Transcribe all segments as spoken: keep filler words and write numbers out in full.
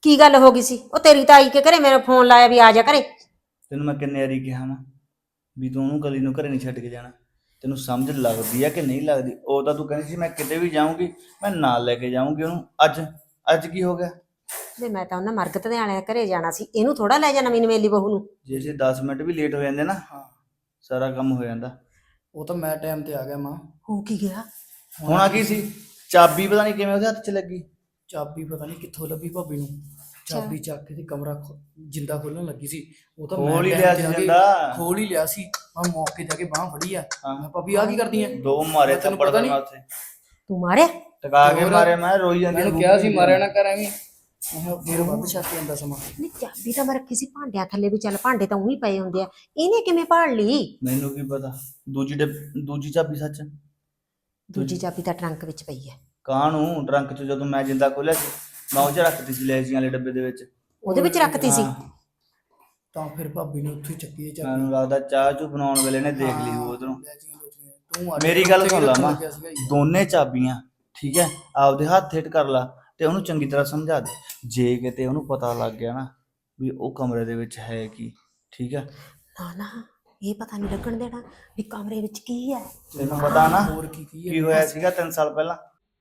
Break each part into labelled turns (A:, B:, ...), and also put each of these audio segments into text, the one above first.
A: ਕੀ ਗੱਲ ਹੋ ਗਈ ਸੀ? ਉਹ ਤੇਰੀ ਤਾਈ ਕੇ ਘਰੇ ਮੇਰਾ ਫੋਨ ਲਾਇਆ ਵੀ ਆ ਜਾ ਘਰੇ।
B: ਤੈਨੂੰ ਮੈਂ ਕਿੰਨੇ ਵਾਰੀ ਕਿਹਾ ਵਾ ਵੀ ਤੂੰ ਉਹਨੂੰ ਕਲੀ ਨੂੰ ਘਰੇ ਨਹੀਂ ਛੱਡ ਕੇ ਜਾਣਾ। ਤੈਨੂੰ ਸਮਝ ਲੱਗਦੀ ਆ ਕਿ ਨਹੀਂ ਲੱਗਦੀ? ਉਹ ਤਾਂ ਤੂੰ ਕਹਿੰਦੀ ਸੀ ਮੈਂ ਕਿਤੇ ਵੀ ਜਾਊਂਗੀ ਮੈਂ ਨਾਲ ਲੈ ਕੇ ਜਾਊਂਗੀ ਉਹਨੂੰ। ਅੱਜ ਅੱਜ ਕੀ ਹੋ ਗਿਆ?
A: ਵੇ ਮੈਂ ਤਾਂ ਉਹਨਾਂ ਮਰਗਤ ਦੇ ਆਲੇ ਘਰੇ ਜਾਣਾ ਸੀ, ਇਹਨੂੰ ਥੋੜਾ ਲੈ ਜਾ ਨਵੀਂ ਨਵੇਲੀ ਬਹੂ ਨੂੰ।
B: ਜੇ ਅਸੀਂ ਦਸ ਮਿੰਟ ਵੀ ਲੇਟ ਹੋ ਜਾਂਦੇ ਨਾ
C: ਹਾਂ
B: ਸਾਰਾ ਕੰਮ ਹੋ ਜਾਂਦਾ।
C: ਉਹ ਤਾਂ ਮੈਂ ਟਾਈਮ ਤੇ ਆ ਗਿਆ ਮਾਂ।
A: ਹੋ ਕੀ ਗਿਆ?
B: ਹੋਣਾ ਕੀ ਸੀ? ਚਾਬੀ ਪਤਾ ਨਹੀਂ ਕਿਵੇਂ ਉਹਦੇ ਹੱਥ 'ਚ ਲੱਗੀ।
C: ਚਾਬੀ ਪਤਾ ਨਹੀਂ ਕਿੱਥੋਂ ਲੱਭੀ ਭਾਬੀ ਨੂੰ। ਚਾਬੀ ਚੱਕ ਕੇ ਤੇ ਕਮਰਾ ਖੋ- ਜਿੰਦਾ ਖੋਲਣ ਲੱਗੀ ਸੀ। ਉਹ ਤਾਂ
B: ਖੋਲ ਹੀ
C: time
B: ਲਿਆ
C: ਤੇ
B: ਸੀ
C: ਆ ਕੇ
B: ਜਿੰਦਾ।
C: ਖੋਲ ਹੀ ਲਿਆ ਸੀ। ਮੈਂ ਮੌਕੇ ਜਾ ਕੇ ਬਾਹ ਫੜੀ ਆ।
B: ਹਾਂ।
C: ਮੈਂ ਭਾਬੀ ਆ ਕੀ ਕਰਦੀ ਐ?
B: ਦੋ ਮਾਰੇ
C: ਤੈਨੂੰ
B: ਥੱਪੜ
C: ਪਤਾ
B: ਦੇ
C: ਨੀ?
B: ਉੱਥੇ
A: ਤੂੰ ਮਾਰਿਆ?
B: ਟਕਾ ਕੇ
C: ਹੋਰ?
B: ਮਾਰੇ। ਮੈਂ ਰੋਈ ਜਾਂਦੀ
C: ਮੈਨੂੰ ਕਿਹਾ ਸੀ ਮਾਰਿਆ ਨਾ ਕਰ ਐਵੇਂ। ਮੈਂ ਕਿਹਾ ਫਿਰ ਵੱਧ ਛੱਕ ਜਾਂਦਾ ਸਮਾਂ।
A: ਨਹੀਂ ਚਾਬੀ ਤਾਂ ਮੈਂ ਰੱਖੀ ਸੀ ਭਾਂਡਿਆਂ ਥੱਲੇ, ਵੀ ਚੱਲ ਭਾਂਡੇ ਤਾਂ ਉਹੀ ਪਏ ਹੁੰਦੇ ਆ, ਇਹਨੇ ਕਿਵੇਂ ਭਾਲ ਲਈ?
B: ਮੈਨੂੰ ਕੀ ਪਤਾ। ਦੂਜੀ ਡੱਬ- ਦੂਜੀ ਚਾਬੀ ਸੱਚ
A: ਦੂਜੀ ਚਾਬੀ ਤਾਂ ਟਰੰਕ ਵਿੱਚ ਪਈ ਹੈ।
B: ਕਾਹਨੂੰ ਟਰੰਕ 'ਚ ਜਦੋਂ ਮੈਂ ਜਿੰਦਾ ਖੋਲਿਆ ਸੀ ਮੈਂ ਉਹ 'ਚ ਰੱਖਤੀ ਸੀ ਲੈਜੀਆਂ ਵਾਲੇ ਡੱਬੇ ਦੇ ਵਿੱਚ।
A: ਉਹਦੇ ਵਿੱਚ ਰੱਖਤੀ ਸੀ।
B: ਹਾਂ।
C: ਤਾਂ ਫਿਰ ਭਾਬੀ ਨੇ ਉੱਥੇ ਹੀ ਚੱਕੀ ਇਹ ਚਾਬੀ।
B: ਮੈਨੂੰ ਲੱਗਦਾ ਚਾਹ ਚੂ ਬਣਾਉਣ ਵੇਲੇ ਨੇ ਦੇਖ ਲਈ ਉਹ ਉਧਰੋਂ।
C: ਲੈ ਜੀ, ਲੈ ਜੀ। ਤੂੰ ਆ
B: ਮੇਰੀ ਗੱਲ ਸੁਣ ਲਾ
C: ਉੱਥੇ
B: ਮਾਂ,
C: ਲੱਗਿਆ ਸੀਗਾ ਜੀ।
B: ਦੋਨੇ ਚਾਬੀਆਂ ਠੀਕ ਹੈ ਆਪਦੇ ਹੱਥ ਹਿੱਟ ਕਰ ਲਾ ਤੇ ਉਹਨੂੰ ਚੰਗੀ ਤਰ੍ਹਾਂ ਸਮਝਾ ਦੇ। ਜੇ ਕਿਤੇ ਉਹਨੂੰ ਪਤਾ ਲੱਗ ਗਿਆ ਨਾ ਵੀ ਉਹ ਕਮਰੇ ਦੇ ਵਿੱਚ ਹੈ ਕੀ, ਠੀਕ ਹੈ?
A: ਨਾ ਨਾ ਇਹ ਪਤਾ ਨਹੀਂ ਲੱਗਣ ਦੇਣਾ ਵੀ ਕਮਰੇ ਵਿੱਚ ਕੀ ਹੈ।
B: ਤੈਨੂੰ ਪਤਾ ਨਾ
C: ਹੋਰ ਕੀ ਕੀ
B: ਕੀ ਹੋਇਆ ਸੀਗਾ ਤਿੰਨ ਸਾਲ ਪਹਿਲਾਂ?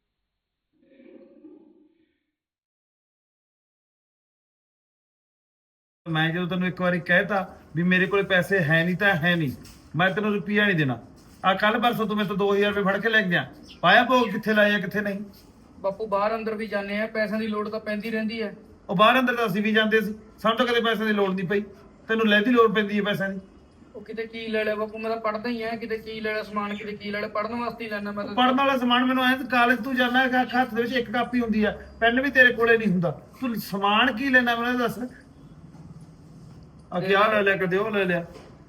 D: ਮੈਂ ਜਦੋਂ ਤੈਨੂੰ ਇੱਕ ਵਾਰੀ ਕਹਿਤਾ ਵੀ ਮੇਰੇ ਕੋਲੇ ਪੈਸੇ ਹੈ ਨਹੀਂ ਤਾਂ ਹੈ ਨਹੀਂ, ਮੈਂ ਤੈਨੂੰ ਰੁਪਈਆ ਨਹੀਂ ਦੇਣਾ। ਆ ਕੱਲ ਪਰਸੋਂ ਤੂੰ ਮੇਰੇ ਤੋਂ ਦੋ ਹਜ਼ਾਰ ਰੁਪਏ ਫੜ ਕੇ ਲੈ ਗਿਆ, ਪਾਇਆ ਭੋਗ ਕਿੱਥੇ ਲਾਇਆ ਕਿੱਥੇ ਨਹੀਂ।
E: ਬਾਪੂ ਬਾਹਰ ਅੰਦਰ ਵੀ ਜਾਂਦੇ ਆ, ਪੈਸਿਆਂ ਦੀ ਲੋੜ ਤਾਂ ਪੈਂਦੀ ਰਹਿੰਦੀ ਹੈ।
D: ਉਹ ਬਾਹਰ ਅੰਦਰ ਤਾਂ ਅਸੀਂ ਵੀ ਜਾਂਦੇ ਸੀ, ਸਾਨੂੰ ਤਾਂ ਕਦੇ ਪੈਸੇ ਦੀ ਲੋੜ ਨਹੀਂ ਪਈ। ਤੈਨੂੰ ਲੈਦੀ ਲੋੜ ਪੈਂਦੀ ਹੈ ਪੈਸਿਆਂ ਦੀ।
E: ਉਹ ਕਿਤੇ ਕੀ ਲੈ ਲਿਆ ਬਾਪੂ, ਮੈਂ ਤਾਂ ਪੜਦਾ ਹੀ ਆ। ਕਿਤੇ ਕੀ ਲੈ ਲਿਆ ਸਮਾਨ, ਕਿਤੇ ਕੀ ਲੈ ਲਿਆ, ਪੜਨ ਵਾਸਤੇ ਹੀ ਲੈਣਾ ਮੈਂ ਤਾਂ।
D: ਪੜਨ ਵਾਲਾ ਸਮਾਨ ਮੈਨੂੰ ਐਂ ਕਾਲਜ ਤੂੰ ਜਾਂਦਾ ਹੈਗਾ, ਹੱਥ ਦੇ ਵਿੱਚ ਇੱਕ ਕਾਪੀ ਹੁੰਦੀ ਆ, ਪੈਨ ਵੀ ਤੇਰੇ ਕੋਲੇ ਨਹੀਂ ਹੁੰਦਾ, ਤੂੰ ਸਮਾਨ ਕੀ ਲੈਣਾ ਮੈਨੂੰ ਦੱਸ। ਆ ਕਿਆ ਲੈ ਲਿਆ, ਕਦੇ ਉਹ ਲੈ ਲਿਆ।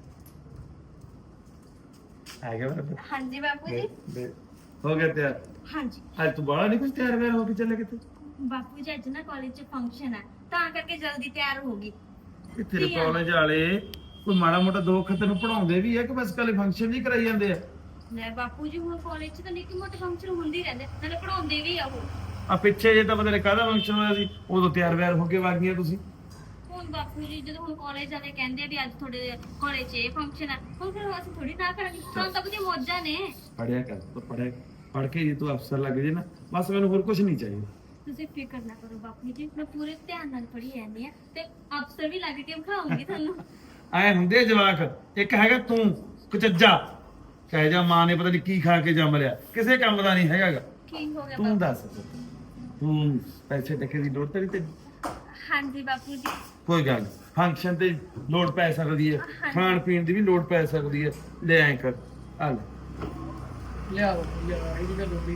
D: ਆ ਗਿਆ ਮੇਰੇ
F: ਹਾਂਜੀ ਬਾਪੂ ਜੀ।
D: ਦੇ ਹੋ ਗਿਆ ਤਿਆਰ?
F: ਹਾਂਜੀ
D: ਅੱਜ ਤੂੰ ਬਾਹਲਾ ਨਹੀਂ ਕੁਝ ਤਿਆਰ ਵੈਰ ਹੋ ਕੇ ਚੱਲੇ ਕਿਤੇ?
F: ਬਾਪੂ ਜੀ ਅੱਜ ਨਾ ਕਾਲਜ 'ਚ ਫੰਕਸ਼ਨ ਹੈ, ਤਾਂ ਕਰਕੇ ਜਲਦੀ ਤਿਆਰ ਹੋ ਗਈ।
D: ਕਿ ਤੇਰੇ ਕਾਲਜ ਵਾਲੇ ਕੋਈ ਮਾੜਾ ਮੋਟਾ ਦੁੱਖ ਤੈਨੂੰ ਪੜਾਉਂਦੇ ਵੀ ਹੈ ਕਿ ਬਸ ਕੱਲੇ ਫੰਕਸ਼ਨ ਨਹੀਂ ਕਰਾਈ ਜਾਂਦੇ ਆ?
F: ਲੈ ਬਾਪੂ ਜੀ ਹੁਣ ਕਾਲਜ 'ਚ ਤਾਂ ਨਿੱਕੇ ਮੋਟੇ ਫੰਕਸ਼ਨ ਹੁੰਦੇ ਹੀ ਰਹਿੰਦੇ, ਨਾਲੇ ਪੜਾਉਂਦੇ ਵੀ ਆ ਉਹ।
D: ਆ ਪਿੱਛੇ ਜੇ ਤਾਂ ਪਤਾ ਨਹੀਂ ਕਾਹਦਾ ਫੰਕਸ਼ਨ ਹੋਇਆ ਸੀ, ਉਦੋਂ ਤਿਆਰ ਵੈਰ ਹੋ ਕੇ ਵਗ ਗਈਆਂ ਤੁਸੀਂ।
F: ਹੁਣ ਬਾਪੂ ਜੀ ਜਦੋਂ ਹੁਣ ਕਾਲਜ ਵਾਲੇ ਕਹਿੰਦੇ ਵੀ ਅੱਜ ਤੁਹਾਡੇ ਕਾਲਜ 'ਚ ਇਹ ਫੰਕਸ਼ਨ ਹੈ, ਹੁਣ ਫਿਰ ਅਸੀਂ ਥੋੜੀ ਨਾ ਕਰਾਂਗੇ, ਸਾਨੂੰ ਤਾਂ ਵਧੀਆ ਮੌਜਾਂ ਨੇ।
D: ਪੜਿਆ ਕਰ ਤੂੰ, ਪੜਿਆ ਪੜ ਕੇ ਜੇ ਤੂੰ ਅਫਸਰ ਲੱਗ ਜੇ ਨਾ, ਬਸ ਮੈਨੂੰ ਹੋਰ ਕੁਝ ਨਹੀਂ ਚਾਹੀਦਾ।
F: ਤੁਸੀਂ ਫਿਕਰ ਨਾ ਕਰੋ ਬਾਪੂ ਜੀ, ਮੈਂ ਪੂਰੇ ਧਿਆਨ ਨਾਲ ਪੜ੍ਹੀ ਜਾਂਦੀ ਆ ਤੇ ਅਫਸਰ ਵੀ ਲੱਗ ਕੇ ਵਿਖਾਉਂਗੀ ਤੁਹਾਨੂੰ।
D: ਐ ਹੁੰਦੇ ਆ ਜਵਾਕ। ਇੱਕ ਹੈਗਾ ਤੂੰ ਕੁਚੱਜਾ, ਕਹਿ ਜਾ ਮਾਂ ਨੇ ਪਤਾ ਨਹੀਂ ਕੀ ਖਾ ਕੇ ਜੰਮ ਲਿਆ, ਕਿਸੇ ਕੰਮ ਦਾ ਨਹੀਂ ਹੈਗਾਗਾ।
F: ਕੀ ਹੋ ਗਿਆ
D: ਤੂੰ
F: ਬਾਪੂ?
D: ਦੱਸ, ਤੂੰ ਪੈਸੇ ਟਕੇ ਦੀ ਲੋੜ ਤੇਰੀ ਤੇ
F: ਹਾਂਜੀ ਬਾਪੂ ਜੀ।
D: ਕੋਈ ਗੱਲ ਫੰਕਸ਼ਨ ਤੇ ਲੋੜ ਪੈ ਸਕਦੀ ਹੈ, ਖਾਣ ਪੀਣ ਦੀ ਵੀ ਲੋੜ ਪੈ ਸਕਦੀ ਹੈ। ਲੈ ਐਂ ਕਰ, ਆ ਲੈ
E: ਲਿਆ ਬਾਪੂ ਲਿਆ, ਇਹਦੀ ਗੱਲ ਹੁੰਦੀ।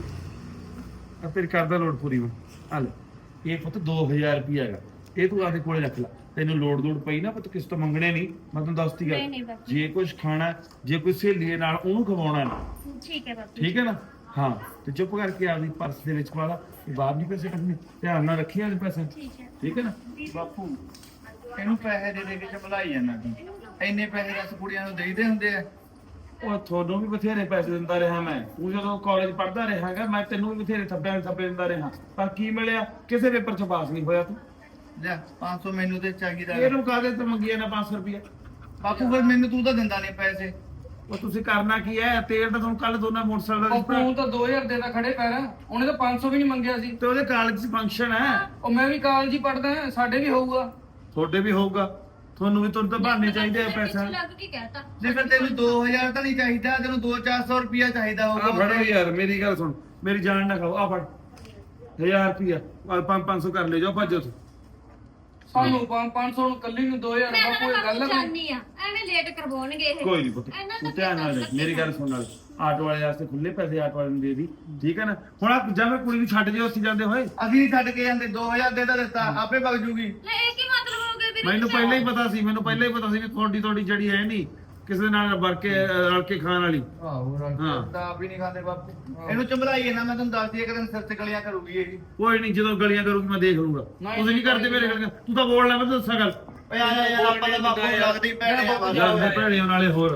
D: ਆ ਤੇਰੀ ਕਰਦਾ ਲੋੜ ਪੂਰੀ ਮੈਂ। ਆ ਲੈ ਇਹ ਪੁੱਤ ਦੋ ਹਜ਼ਾਰ ਰੁਪਈਆ ਹੈਗਾ, ਇਹ ਤੂੰ ਆਪਦੇ ਕੋਲੇ ਰੱਖ ਲੈ। ਤੈਨੂੰ ਲੋੜ ਲੋੜ ਪਈ ਨਾ ਪੁੱਤ ਕਿਸ ਤੋਂ ਮੰਗਣੇ ਨਹੀਂ, ਮੈਂ ਤੈਨੂੰ ਦੱਸਤੀ
F: ਨਹੀਂ,
D: ਗੱਲ।
F: ਨਹੀਂ ਬਾਪੂ।
D: ਜੇ ਕੁਝ ਖਾਣਾ, ਜੇ ਕੋਈ ਸਹੇਲੀ ਦੇ ਨਾਲ ਉਹਨੂੰ ਖਵਾਉਣਾ ਨਾ,
F: ਠੀਕ ਹੈ ਬਾਪੂ।
D: ਠੀਕ ਹੈ ਨਾ? ਹਾਂ ਤੇ ਚੁੱਪ ਕਰਕੇ ਆਪਦੀ ਪਰਸ ਦੇ ਵਿੱਚ ਪਾ ਲਾ, ਬਾਹਰ ਨਹੀਂ ਪੈਸੇ ਕੱਢਣੇ, ਧਿਆਨ ਨਾਲ ਰੱਖੀ ਆਪਦੇ ਪੈਸੇ,
F: ਠੀਕ ਹੈ।
D: ਠੀਕ ਹੈ ਨਾ?
B: ਬਾਪੂ ਇਹਨੂੰ ਪੈਸੇ ਦੇ ਦੇ ਕੇ ਚਮਲਾਈ ਜਾਂਦਾ ਤੂੰ। ਇੰਨੇ ਪੈਸੇ ਰਸ ਕੁੜੀਆਂ ਨੂੰ ਦੇਈਦੇ ਹੁੰਦੇ ਆ।
D: ਉਹ ਤੁਹਾਨੂੰ ਵੀ ਬਥੇਰੇ ਪੈਸੇ ਦਿੰਦਾ ਰਿਹਾ ਮੈਂ, ਤੂੰ ਜਦੋਂ ਕਾਲਜ ਪੜ੍ਹਦਾ ਰਿਹਾਗਾ ਮੈਂ ਤੈਨੂੰ ਵੀ ਬਥੇਰੇ ਥੱਪਿਆਂ ਥੱਪੇ ਦਿੰਦਾ ਰਿਹਾ, ਪਰ ਕੀ ਮਿਲਿਆ? ਕਿਸੇ ਪੇਪਰ 'ਚ ਪਾਸ ਨਹੀਂ ਹੋਇਆ ਤੂੰ।
B: ਲੈ ਪੰਜ ਸੌ ਮੈਨੂੰ ਤੇ ਚਾਹੀਦਾ।
D: ਇਹਨੂੰ ਕਾਹਦੇ ਤੇ ਮੰਗੀਏ ਨਾ ਪੰਜ ਸੌ ਰੁਪਇਆ?
B: ਬਾਪੂ ਫਿਰ ਮੈਨੂੰ ਤੂੰ ਤਾਂ ਦਿੰਦਾ ਨਹੀਂ ਪੈਸੇ।
D: ਉਹ ਤੁਸੀਂ ਕਰਨਾ ਕੀ ਹੈ? ਤੇਲ ਤਾਂ ਤੁਹਾਨੂੰ ਕੱਲ ਦੋਨਾਂ ਮੋਟਰਸਾਈਕਲ ਦਾ
E: ਬਾਪੂ
D: ਦਿੱਤਾ,
E: ਹੁਣ ਤਾਂ ਦੋ ਹਜ਼ਾਰ ਦੇ ਤਾਂ ਖੜੇ ਪੈਰ, ਉਹਨੇ ਤਾਂ ਪੰਜ ਸੌ ਵੀ ਨਹੀਂ ਮੰਗਿਆ ਸੀ।
D: ਤੇ ਉਹਦੇ ਕਾਲਜ 'ਚ ਫੰਕਸ਼ਨ ਹੈ,
E: ਉਹ ਮੈਂ ਵੀ ਕਾਲਜ ਹੀ ਪੜਦਾ, ਸਾਡੇ ਵੀ ਹੋਊਗਾ।
D: ਤੁਹਾਡੇ ਵੀ ਹੋਊਗਾ, ਤੁਹਾਨੂੰ ਵੀ ਤੁਹਾਨੂੰ ਤਾਂ ਬਹਾਨੇ ਚਾਹੀਦੇ ਆ ਪੈਸਾ।
F: ਲੱਗ ਕੇ ਕਹਿਤਾ।
B: ਜੇ ਫਿਰ ਤੈਨੂੰ ਦੋ ਹਜ਼ਾਰ ਤਾਂ ਨਹੀਂ ਚਾਹੀਦਾ, ਤੈਨੂੰ ਦੋ ਚਾਰ ਸੌ ਰੁਪਇਆ ਚਾਹੀਦਾ
D: ਆ
B: ਹੋਊਗਾ।
D: ਫੜੋ ਯਾਰ, ਮੇਰੀ ਗੱਲ ਸੁਣ, ਮੇਰੀ ਜਾਨ ਨਾ ਖਾਓ, ਆ ਫੜ ਹਜ਼ਾਰ ਰੁਪਇਆ, ਆ ਪੰਜ ਪੰਜ ਸੌ ਕਰ ਲੈ ਜਾਓ, ਭੱਜੋ ਤੁਸੀਂ।
E: ਸਾਨੂੰ ਪੰਜ ਸੌ ਨੂੰ ਕੱਲੀ ਨੂੰ ਦੋ ਹਜ਼ਾਰ।
F: ਮੈਂ
E: ਬਾਪੂ
F: ਤਾਂ
E: ਇਹ ਗੱਲ
F: ਬਾਪੂ
E: ਹੈ
F: ਜਾਣੀ ਆ, ਐਵੇਂ ਲੇਟ ਕਰਵਾਉਣਗੇ ਇਹ।
D: ਕੋਈ ਨਹੀਂ ਪੁੱਤ,
F: ਇਹਨਾਂ
D: ਤੂੰ
F: ਦਾ
D: ਧਿਆਨ ਨਾਲ ਦੇਖ, ਮੇਰੀ ਗੱਲ ਸੁਣ ਨਾਲ, ਆਟੋ ਵਾਲੇ ਵਾਸਤੇ ਖੁੱਲੇ ਪੈਸੇ ਆਟੋ ਵਾਲੇ ਨੂੰ ਦੇ ਦੀ, ਠੀਕ ਹੈ ਨਾ? ਹੁਣ ਆ ਜਾਂ ਮੈਂ ਕੁੜੀ ਨੂੰ ਛੱਡ ਜਿਓ ਉੱਥੇ ਜਾਂਦੇ ਹੋਏ।
B: ਅਸੀਂ ਨਹੀਂ ਛੱਡ ਕੇ ਜਾਂਦੇ, ਦੋ ਹਜ਼ਾਰ ਦੇ ਤਾਂ ਦਿੱਤਾ, ਆਪੇ ਵਗ ਜੂਗੀ।
F: ਲੈ ਇਹ ਕੀ ਮਤਲਬ ਹੋ ਗਿਆ ਵੀਰੇ?
D: ਮੈਨੂੰ ਪਹਿਲਾਂ ਹੀ ਪਤਾ ਸੀ, ਮੈਨੂੰ ਪਹਿਲਾਂ ਹੀ ਪਤਾ ਸੀ ਵੀ ਤੁਹਾਡੀ ਤੁਹਾਡੀ ਜਿਹੜੀ ਹੈ ਨਹੀਂ ਕਿਸੇ ਦੇ ਨਾਲ ਵਰ ਕੇ ਰਲ ਕੇ ਖਾਣ ਵਾਲੀ।
B: ਆਹੋ
D: ਹਾਂ।
B: ਤਾਂ ਆਪ ਹੀ ਨਹੀਂ ਖਾਂਦੇ ਬਾਪੂ। ਇਹਨੂੰ ਚੰਬਲਾਈਏ ਨਾ, ਮੈਂ ਤੁਹਾਨੂੰ ਦੱਸ ਦਈਏ ਕਦੇ ਸਿਰ ਤੇ ਗਲੀਆਂ ਕਰੂਗੀ ਇਹ।
D: ਕੋਈ ਨਹੀਂ, ਜਦੋਂ ਗਲੀਆਂ ਕਰੂਗੀ ਮੈਂ ਦੇਖ ਲੂੰਗਾ। ਤੁਸੀਂ ਨਹੀਂ ਕਰਦੇ ਮੇਰੇ ਗਲੀਆਂ, ਤੂੰ ਤਾਂ ਬੋਲ ਲੈ, ਮੈਂ ਤਾਂ ਦੱਸਾਂ ਗੱਲ।
B: ਓਏ ਆ ਜਾ ਯਾਰ, ਆਪਾਂ ਤਾਂ ਬਾਪੂ ਲੱਗਦੀ ਪੈਣੇ ਆ ਬਸ।
D: ਯਾਰ ਮੈਂ ਭੈਣਿਆਂ ਨਾਲੇ ਹੋਰ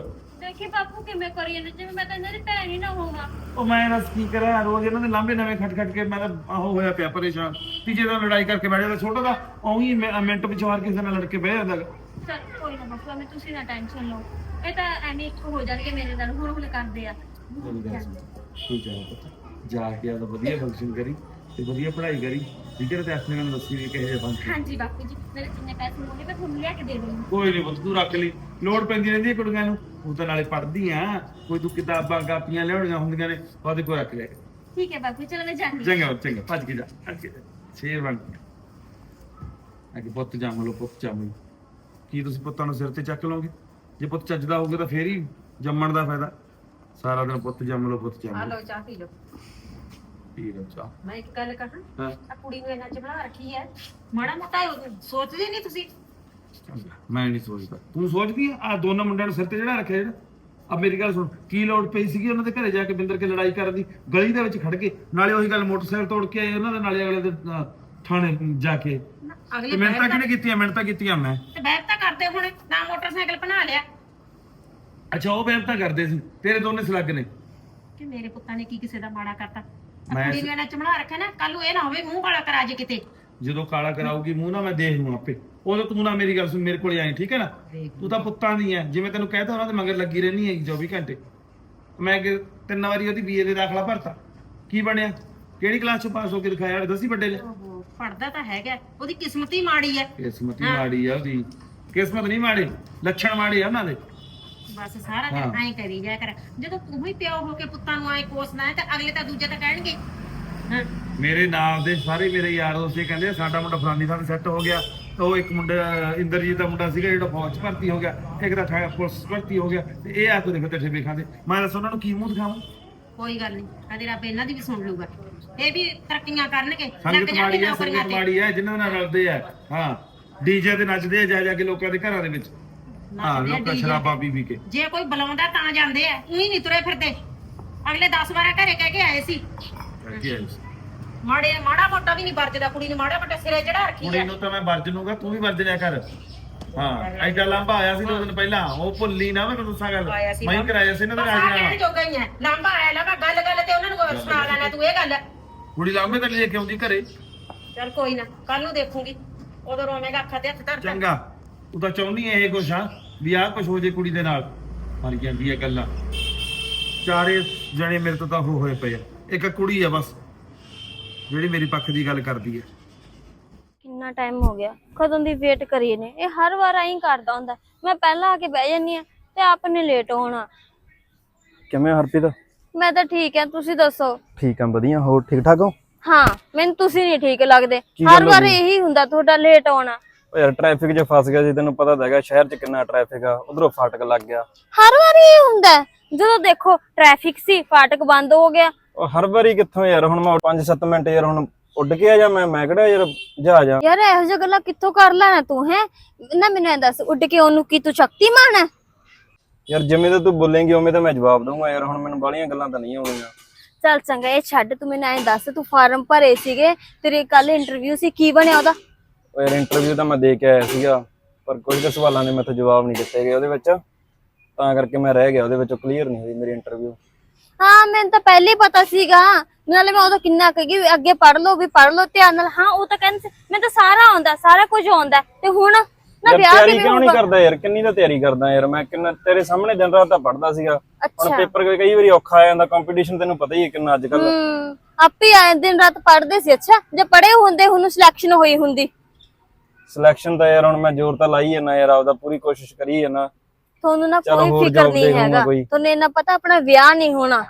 F: ਦੇਖੀ ਬਾਪੂ ਕਿਵੇਂ ਕਰੀ ਜਾਂਦੇ ਜਿਵੇਂ ਮੈਂ ਤਾਂ ਇਹਨਾਂ ਦੀ ਭੈਣ ਹੀ ਨਾ ਹੋਵਾਂ।
D: ਉਹ ਮੈਂ ਦੱਸ ਕੀ ਕਰਾਂ, ਰੋਜ਼ ਇਹਨਾਂ ਦੇ ਲਾਂਭੇ ਨਵੇਂ ਖੱਟ ਖੱਟ ਕੇ ਮੈਂ ਤਾਂ ਆਹੋ ਹੋਇਆ ਪਿਆ ਪਰੇਸ਼ਾਨ। ਤੀਜੇ ਦਿਨ ਲੜਾਈ ਕਰਕੇ ਬਹਿ ਜਾਂਦਾ, ਛੋਟਾ ਦਾ ਉਹੀ ਮਿੰਟ ਵਿੱਚ ਵਾਰ ਕਿਸੇ ਨਾਲ ਲੜ ਕੇ ਬਹਿ ਜਾਂਦਾ ਗਾ।
F: ਚਲ ਕੋਈ ਨਾ ਬਾਪੂ ਐਵੇਂ ਤੁਸੀਂ ਨਾ ਟੈਨਸ਼ਨ ਲਓ, ਇਹ ਤਾਂ ਐਵੇਂ ਇੱਕ ਹੋ ਜਾਣਗੇ ਮੇਰੇ ਨਾਲ, ਹੁਣ ਹੁਣ ਕਰਦੇ ਆ।
D: ਤੂੰ ਜਾ ਪੁੱਤ, ਜਾ ਕੇ ਆਪਦਾ ਵਧੀਆ ਫੰਕਸ਼ਨ ਕਰੀ ਤੇ ਵਧੀਆ ਪੜ੍ਹਾਈ ਕਰੀ, ਠੀਕ ਹੈ? ਤੇ ਆਪਣੇ ਨਾਲ ਦੱਸੀ ਵੀ ਕਿਹੋ ਜਿਹਾ ਫੰਕਸ਼ਨ।
F: ਹਾਂਜੀ ਬਾਪੂ ਜੀ, ਮੇਰੇ ਜਿੰਨੇ ਪੈਸੇ ਹੋਣਗੇ ਮੈਂ ਤੁਹਾਨੂੰ ਲਿਆ ਕੇ ਦੇ ਦੂੰਗੀ।
D: ਕੋਈ ਨਹੀਂ ਪੁੱਤ, ਤੂੰ ਰੱਖ ਲਈ, ਲੋੜ ਪੈਂਦੀ ਰਹਿੰਦੀ ਹੈ ਕੁੜੀਆਂ ਨੂੰ, ਤੂੰ ਤਾਂ ਨਾਲੇ ਪੜ੍ਹਦੀ ਆ, ਕੋਈ ਤੂੰ ਕਿਤਾਬਾਂ ਕਾਪੀਆਂ ਲਿਆਉਣੀਆਂ ਹੁੰਦੀਆਂ ਨੇ ਉਹਦੇ ਕੋਲ ਰੱਖ ਲਿਆ।
F: ਠੀਕ ਹੈ ਬਾਪੂ, ਚਲੋ ਮੈਂ ਜਾਂਦੀ।
D: ਚੰਗਾ ਚੰਗਾ, ਭੱਜ ਕੇ ਜਾ, ਭੱਜ ਕੇ ਜਾ, ਸ਼ੇਰ ਬਣ ਕੇ ਅੱਗੇ ਪੁੱਤ ਜੰਮ ਲਓ, ਪੁੱਤ ਜੰਮ ਲਓ। ਕੀ ਤੁਸੀਂ ਪੁੱਤਾਂ ਨੂੰ ਸਿਰ ਤੇ ਚੱਕ ਲਓਗੇ? ਜੇ ਪੁੱਤ ਚੱਜਦਾ ਹੋਊਗਾ ਤਾਂ ਫੇਰ ਹੀ ਜੰਮਣ ਦਾ ਫਾਇਦਾ। ਸਾਰਾ ਦਿਨ ਪੁੱਤ ਜੰਮ ਲਓ, ਪੁੱਤ ਜੰਮ ਲਓ।
G: ਚਾਹ ਪੀ ਲਓ।
D: ਪੀ ਲਓ ਚਾਹ।
G: ਮੈਂ ਇੱਕ ਗੱਲ ਕਹਾਂ,
D: ਹਾਂ
G: ਆ ਕੁੜੀ ਨੂੰ ਇਹਨਾਂ ਚ ਬਣਾ ਰੱਖੀ ਹੈ, ਮਾੜਾ ਮੋਟਾ ਸੋਚਦੇ ਨਹੀਂ ਤੁਸੀਂ?
D: ਚੰਗਾ, ਮੈਂ ਨਹੀਂ ਸੋਚਦਾ, ਤੂੰ ਸੋਚਦੀ ਆ? ਆ ਦੋਨਾਂ ਮੁੰਡਿਆਂ ਨੂੰ ਸਿਰ ਤੇ ਜਿਹੜਾ ਰੱਖਿਆ ਜਿਹੜਾ, ਆ ਮੇਰੀ ਗੱਲ ਸੁਣ, ਕੀ ਲੋੜ ਪਈ ਸੀਗੀ ਉਹਨਾਂ ਦੇ ਘਰੇ ਜਾ ਕੇ ਬਿੰਦਰ ਕੇ ਲੜਾਈ ਕਰਨ ਦੀ, ਗਲੀ ਦੇ ਵਿੱਚ ਖੜ ਕੇ? ਨਾਲੇ ਉਹੀ ਗੱਲ, ਮੋਟਰਸਾਈਕਲ ਤੋੜ ਕੇ ਆਏ ਉਹਨਾਂ ਦੇ, ਨਾਲੇ ਅਗਲੇ ਦੇ ਅਹ, ਥਾਣੇ ਜਾ ਕੇ।
G: ਅਗਲੇ
D: ਤੇ ਮਿਹਨਤਾਂ ਕਿਹਨੇ ਕੀਤੀਆਂ? ਮਿਹਨਤਾਂ ਕੀਤੀਆਂ ਮੈਂ।
G: ਤੇ ਬੈਠ ਤਾਂ ਕਰਦੇ ਹੁਣ ਨਾ, ਮੋਟਰਸਾਈਕਲ ਬਣਾ ਲਿਆ।
D: ਅੱਛਾ, ਉਹ ਮਿਹਨਤਾਂ ਕਰਦੇ ਸੀ, ਤੇਰੇ ਦੋਨੇ ਸਲੱਗ ਨੇ।
G: ਕਿ ਮੇਰੇ ਪੁੱਤਾਂ ਨੇ ਕੀ ਕਿਸੇ ਦਾ ਮਾੜਾ ਕਰਤਾ? ਆ
D: ਮੈਂ
G: ਕੁੜੀ ਨੂੰ ਇਹਨਾਂ ਚ ਬਣਾ ਰੱਖਿਆ ਨਾ, ਕੱਲ ਨੂੰ ਇਹ ਨਾ ਹੋਵੇ ਮੂੰਹ ਕਾਲਾ ਕਰਾ ਜੇ ਕਿਤੇ।
D: ਜਦੋਂ ਕਾਲਾ ਕਰਾਊਗੀ ਮੂੰਹ ਨਾ, ਮੈਂ ਦੇਖ ਲੂੰ ਆਪੇ। ਉਦੋਂ ਤੂੰ ਨਾ ਮੇਰੀ ਗੱਲ ਸੁਣ, ਮੇਰੇ ਕੋਲੇ ਆਈ, ਠੀਕ ਹੈ ਨਾ? ਤੂੰ ਤਾਂ ਪੁੱਤਾਂ ਦੀ ਐ, ਜਿਵੇਂ ਤੈਨੂੰ ਕਹਿਤਾ ਉਹਨਾਂ ਦੇ ਮਗਰ ਲੱਗੀ ਰਹਿਣੀ ਹੈਗੀ ਚੌਵੀ ਘੰਟੇ। ਮੈਂ ਅੱਗੇ ਤਿੰਨ ਵਾਰੀ ਉਹਦੀ ਬੀਏ ਦੇ ਦਾਖਲਾ ਭਰਤਾ, ਕੀ ਬਣਿਆ? ਕਿਹੜੀ ਕਲਾਸ ਚੋਂ ਪਾਸ ਹੋ ਕੇ ਦਿਖਾਇਆ? ਦਸੀ ਵੱਡੇ ਨੇ।
G: ਓਹੋ, ਪੜਦਾ ਤਾਂ ਹੈਗਾ, ਉਹਦੀ ਕਿਸਮਤ ਹੀ ਮਾੜੀ ਹੈ।
D: ਕਿਸਮਤ ਹੀ ਮਾੜੀ ਆ ਉਹਦੀ। ਕਿਸਮਤ ਨਹੀਂ ਮਾੜੀ, ਲੱਛਣ ਮਾੜੇ ਆ ਉਹਨਾਂ ਦੇ।
G: ਬਸ ਸਾਰਾ ਦਿਨ ਐਂ ਕਰੀ ਜਾ ਕਰ। ਜਦੋਂ ਤੂੰ ਹੀ ਪਿਓ ਹੋ ਕੇ ਪੁੱਤਾਂ ਨੂੰ ਐਂ ਕੋਸਦਾ ਹੈ, ਤੇ ਅਗਲੇ ਤਾਂ ਦੂਜੇ ਤਾਂ ਕਹਿਣਗੇ। ਹਾਂ,
D: ਮੇਰੇ ਨਾਲ ਦੇ ਸਾਰੇ ਮੇਰੇ ਯਾਰ ਦੋਸਤ ਇਹ ਕਹਿੰਦੇ ਸਾਡਾ ਮੁੰਡਾ ਫਲਾਨੀ ਥਾਂ ਸੈੱਟ ਹੋ ਗਿਆ। ਉਹ ਇੱਕ ਮੁੰਡਾ ਇੰਦਰਜੀਤ ਦਾ ਮੁੰਡਾ ਸੀਗਾ ਜਿਹੜਾ ਫੌਜ 'ਚ ਭਰਤੀ ਹੋ ਗਿਆ, ਇੱਕ ਦਾ ਥਾ- ਪੁਲਿਸ 'ਚ ਭਰਤੀ ਹੋ ਗਿਆ, ਤੇ ਇਹ ਆ ਕੇ ਦੇਖੋ ਤੇਰੇ ਵੇਖਾਂ ਦੇ। ਮੈਂ ਦੱਸ ਉਹਨਾਂ ਨੂੰ ਕੀ ਮੂੰਹ ਦਿਖਾਵਾਂ?
G: ਕੋਈ ਗੱਲ ਨਹੀਂ, ਕਦੇ ਰੱਬ ਇਹਨਾਂ ਦੀ ਵੀ ਸੁਣ ਲੂਗਾ, ਇਹ ਵੀ ਤਰੱਕੀਆਂ ਕਰਨਗੇ, ਲੱਗ
D: ਸੰਗਤ
G: ਜਾਣਗੇ
D: ਮਾੜੀ ਹੈ,
G: ਨੌਕਰੀਆਂ
D: ਸੰਗਤ
G: ਤੇ।
D: ਮਾੜੀ ਹੈ, ਜਿਨ੍ਹਾਂ ਨਾਲ ਰਲਦੇ ਆ। ਹਾਂ, ਡੀਜੇ ਤੇ ਨੱਚਦੇ ਆ ਜਾ ਜਾ ਕੇ ਲੋਕਾਂ ਦੇ ਘਰਾਂ ਦੇ ਵਿੱਚ। ਹਾਂ,
G: ਨੱਚਦੇ ਆ
D: ਲੋਕਾਂ
G: ਡੀ ਜੇ
D: ਸ਼ਰਾਬਾਂ ਪੀ ਪੀ ਕੇ।
G: ਜੇ ਕੋਈ ਬੁਲਾਉਂਦਾ ਤਾਂ ਜਾਂਦੇ ਆ, ਉਹੀ ਨਹੀਂ ਤੁਰੇ ਫਿਰਦੇ। ਅਗਲੇ ਦਸ ਬਾਰਾਂ ਘਰੇ ਕਹਿ ਕੇ ਆਏ ਸੀ, ਮਾੜੇ ਮਾੜਾ ਮੋਟਾ ਵੀ ਨਹੀਂ ਵਰਜਦਾ, ਕੁੜੀ ਨੂੰ ਮਾੜਾ ਮੋਟਾ ਸਿਰੇ ਚੜਾ ਰੱਖੀ
D: ਕੁੜੀ
G: ਹੈ।
D: ਨੂੰ ਤਾਂ ਮੈਂ ਵਰਜ ਲੂੰਗਾ, ਤੂੰ ਵੀ ਵਰਜ ਲਿਆ ਕਰ। ਹਾਂ, ਐਡਾ ਲਾਂਭਾ ਆਇਆ ਸੀ ਦੋ ਦਿਨ ਪਹਿਲਾਂ, ਉਹ ਭੁੱਲੀ ਨਾ ਮੈਂ ਤੈਨੂੰ ਦੱਸਾਂ ਗੱਲ।
G: ਆਇਆ ਸੀ
D: ਮੈਂ ਹੀ
G: ਲਾਂਭਾ।
D: ਕਰਾਇਆ ਸੀ ਇਹਨਾਂ ਦਾ
G: ਬਸ ਆਹ ਕਹਿਣ
D: ਰਾਜੀਨਾਮਾ।
G: ਜੋਗਾ ਹੀ ਹੈ, ਲਾਂਭਾ ਆਇਆ ਲਾਂਭਾ, ਗੱਲ ਗੱਲ ਤੇ ਉਹਨਾਂ ਨੂੰ ਸੁਣਾ ਲੈਣਾ ਤੂੰ ਇਹ ਗੱਲ।
D: ਕੁੜੀ ਲਾਂਭੇ ਤਾਂ ਲੈ ਕੇ ਆਉਂਦੀ ਘਰੇ।
G: ਚੱਲ ਕੋਈ ਨਾ, ਕੱਲ ਨੂੰ ਦੇਖੂਗੀ, ਉਦੋਂ ਰੋਵੇਂਗਾ ਅੱਖਾਂ ਤੇ ਹੱਥ ਧਰ ਕੇ।
D: ਚੰਗਾ, ਤੂੰ ਤਾਂ ਚਾਹੁੰਦੀ ਐ ਇਹ ਕੁਛ, ਹਾਂ ਵੀ ਆਹ ਕੁਛ ਹੋ ਜੇ ਕੁੜੀ ਦੇ ਨਾਲ। ਮਰ ਜਾਂਦੀ ਐ ਗੱਲਾਂ। ਚਾਰੇ ਜਣੇ ਮੇਰੇ ਤੋਂ ਤਾਂ ਉਹ ਹੋਏ ਪਏ ਆ, ਇੱਕ ਕੁੜੀ ਆ ਬਸ ਜਿਹੜੀ ਮੇਰੀ ਪੱਖ ਦੀ ਗੱਲ ਕਰਦੀ ਐ।
H: ਕਿੰਨਾ ਟਾਈਮ ਹੋ ਗਿਆ ਕਦੋਂ ਦੀ ਵੇਟ ਕਰੀ ਨੇ, ਇਹ ਹਰ ਵਾਰ ਐਂ ਕਰਦਾ ਹੁੰਦਾ। ਮੈਂ ਪਹਿਲਾਂ ਆ ਕੇ ਬਹਿ ਜਾਂਦੀ ਆ ਤੇ ਆਪ ਨੇ ਲੇਟ ਹੋਣਾ।
I: ਕਿਵੇਂ ਹਰਪ੍ਰੀਤ?
H: ਮੈਂ ਤਾਂ ਠੀਕ ਆ, ਤੁਸੀਂ ਦੱਸੋ?
I: ਠੀਕ ਆ, ਵਧੀਆ। ਹੋਰ ਠੀਕ ਠਾਕ ਹੋ?
H: ਹਾਂ, ਮੈਨੂੰ ਤੁਸੀਂ ਨਹੀਂ ਠੀਕ ਲੱਗਦੇ,
I: ਕੀ
H: ਹਰ
I: ਗੱਲ
H: ਵਾਰ
I: ਹੋ ਗਈ?
H: ਇਹੀ ਹੁੰਦਾ ਤੁਹਾਡਾ ਲੇਟ ਹੋਣਾ।
I: ਓ ਯਾਰ ਟ੍ਰੈਫਿਕ 'ਚ ਫਸ ਗਿਆ ਸੀ, ਤੈਨੂੰ ਪਤਾ ਤਾਂ ਹੈਗਾ ਸ਼ਹਿਰ 'ਚ ਕਿੰਨਾ ਟ੍ਰੈਫਿਕ ਆ, ਉਧਰੋਂ ਫਾਟਕ ਲੱਗ ਗਿਆ।
H: ਹਰ ਵਾਰ ਇਹ ਹੁੰਦਾ ਹੈ। ਜਦੋਂ ਦੇਖੋ ਟ੍ਰੈਫਿਕ ਸੀ, ਫਾਟਕ ਬੰਦ ਹੋ ਗਿਆ।
I: ਉਹ ਹਰ ਵਾਰੀ ਕਿੱਥੋਂ ਯਾਰ, ਹੁਣ ਮੈਂ ਪੰਜ ਸੱਤ ਮਿੰਟ ਯਾਰ ਹੁਣ ਉੱਡ ਕੇ ਆ ਜਾ, ਮੈਂ ਮੈਂ ਕਿਹੜਾ ਯਾਰ ਜਹਾਜ਼ ਆ।
H: ਯਾਰ ਇਹੋ ਜਿਹੀਆਂ ਗੱਲਾਂ ਕਿੱਥੋਂ ਕਰ ਲੈਣਾ ਤੂੰ? ਹੈ ਨਾ, ਮੈਨੂੰ ਐਂ ਦੱਸ, ਉੱਡ ਕੇ ਉਹਨੂੰ ਕੀ ਤੂੰ ਸ਼ਕਤੀਮਾਨ ਹੈ?
I: ਯਾਰ ਜਿਵੇਂ ਤਾਂ ਤੂੰ ਬੋਲੇਂਗੀ ਉਵੇਂ ਤਾਂ ਮੈਂ ਜਵਾਬ ਦਊਂਗਾ ਯਾਰ, ਹੁਣ ਮੈਨੂੰ ਬਾਹਲੀਆਂ ਗੱਲਾਂ ਤਾਂ ਨਹੀਂ ਆਉਣੀਆਂ।
H: ਚੱਲ ਚੰਗਾ, ਇਹ ਛੱਡ, ਤੂੰ ਮੈਨੂੰ ਐਂ ਦੱਸ, ਤੂੰ ਫਾਰਮ ਭਰੇ ਸੀਗੇ, ਤੇਰੇ ਕੱਲ ਇੰਟਰਵਿਊ ਸੀ, ਕੀ ਬਣਿਆ ਉਹਦਾ?
I: ਓ ਯਾਰ ਇੰਟਰਵਿਊ ਤਾਂ ਮੈਂ ਦੇ ਕੇ ਆਇਆ ਸੀਗਾ, ਪਰ ਕੁਝ ਕੁ ਸਵਾਲਾਂ ਦੇ ਮੈਥੋਂ ਜਵਾਬ ਨਹੀਂ ਦਿੱਤੇ ਗਏ ਉਹਦੇ ਵਿੱਚ, ਤਾਂ ਕਰਕੇ ਮੈਂ ਰਹਿ ਗਿਆ ਉਹਦੇ ਵਿੱਚੋਂ, ਕਲੀਅਰ ਨਹੀਂ ਹੋਈ ਮੇਰੀ ਇੰਟਰਵਿਊ।
H: ਹਾਂ, ਮੈਨੂੰ ਤਾਂ ਪਹਿਲੇ ਹੀ ਪਤਾ ਸੀਗਾ, ਨਾਲੇ ਮੈਂ ਉਦੋਂ ਕਿੰਨਾ ਕਹੀ ਅੱਗੇ ਪੜ੍ਹ ਲਓ ਵੀ ਪੜ੍ਹ ਲਓ ਧਿਆਨ ਨਾਲ। ਹਾਂ, ਉਹ ਤਾਂ ਕਹਿੰਦੇ ਮੈਨੂੰ ਤਾਂ ਸਾਰਾ ਆਉਂਦਾ, ਸਾਰਾ ਕੁਝ ਆਉਂਦਾ, ਤੇ ਹੁਣ ਨਾ
I: ਯਾਰ
H: ਵਿਆਹ
I: ਤਿਆਰੀ
H: ਕਿਵੇਂ
I: ਕਿਉਂ ਨਹੀਂ
H: ਹੋਊਗਾ?
I: ਕਰਦਾ ਯਾਰ? ਕਿੰਨੀ ਤਾਂ ਤਿਆਰੀ ਕਰਦਾ ਯਾਰ ਮੈਂ, ਕਿੰਨਾ ਤੇਰੇ ਸਾਹਮਣੇ ਦਿਨ ਰਾਤ ਤਾਂ ਪੜ੍ਹਦਾ ਸੀਗਾ। ਹੁਣ
H: ਅੱਛਾ।
I: ਪੇਪਰ ਕਈ ਵਾਰੀ ਔਖਾ ਆ ਜਾਂਦਾ, ਕੰਪੀਟੀਸ਼ਨ ਤੈਨੂੰ ਪਤਾ ਹੀ ਹੈ ਕਿੰਨਾ ਅੱਜ ਕੱਲ।
H: ਹੂੰ, ਆਪੇ ਆਏ ਦਿਨ ਰਾਤ ਪੜ੍ਹਦੇ ਸੀ। ਅੱਛਾ, ਜੇ ਪੜ੍ਹੇ ਹੁੰਦੇ ਹੁਣ ਸਿਲੈਕਸ਼ਨ ਹੋਈ ਹੁੰਦੀ।
I: ਸਿਲੈਕਸ਼ਨ ਤਾਂ ਯਾਰ ਹੁਣ ਮੈਂ ਜ਼ੋਰ ਤਾਂ ਲਾਈ ਜਾਂਦਾ ਯਾਰ, ਆਪਦਾ ਪੂਰੀ ਕੋਸ਼ਿਸ਼ ਕਰੀ ਜਾਂਦਾ।
H: ਤੁਹਾਨੂੰ ਨਾ
I: ਚੱਲ
H: ਕੋਈ
I: ਹੋਰ
H: ਫਿਕਰ
I: job
H: ਨਹੀਂ
I: ਦੇਖੂੰਗਾ
H: ਹੈਗਾ,
I: ਕੋਈ।
H: ਤੁਹਾਨੂੰ ਇਹਨਾਂ ਪਤਾ ਆਪਣਾ ਵਿਆਹ ਨਹੀਂ ਹੋਣਾ।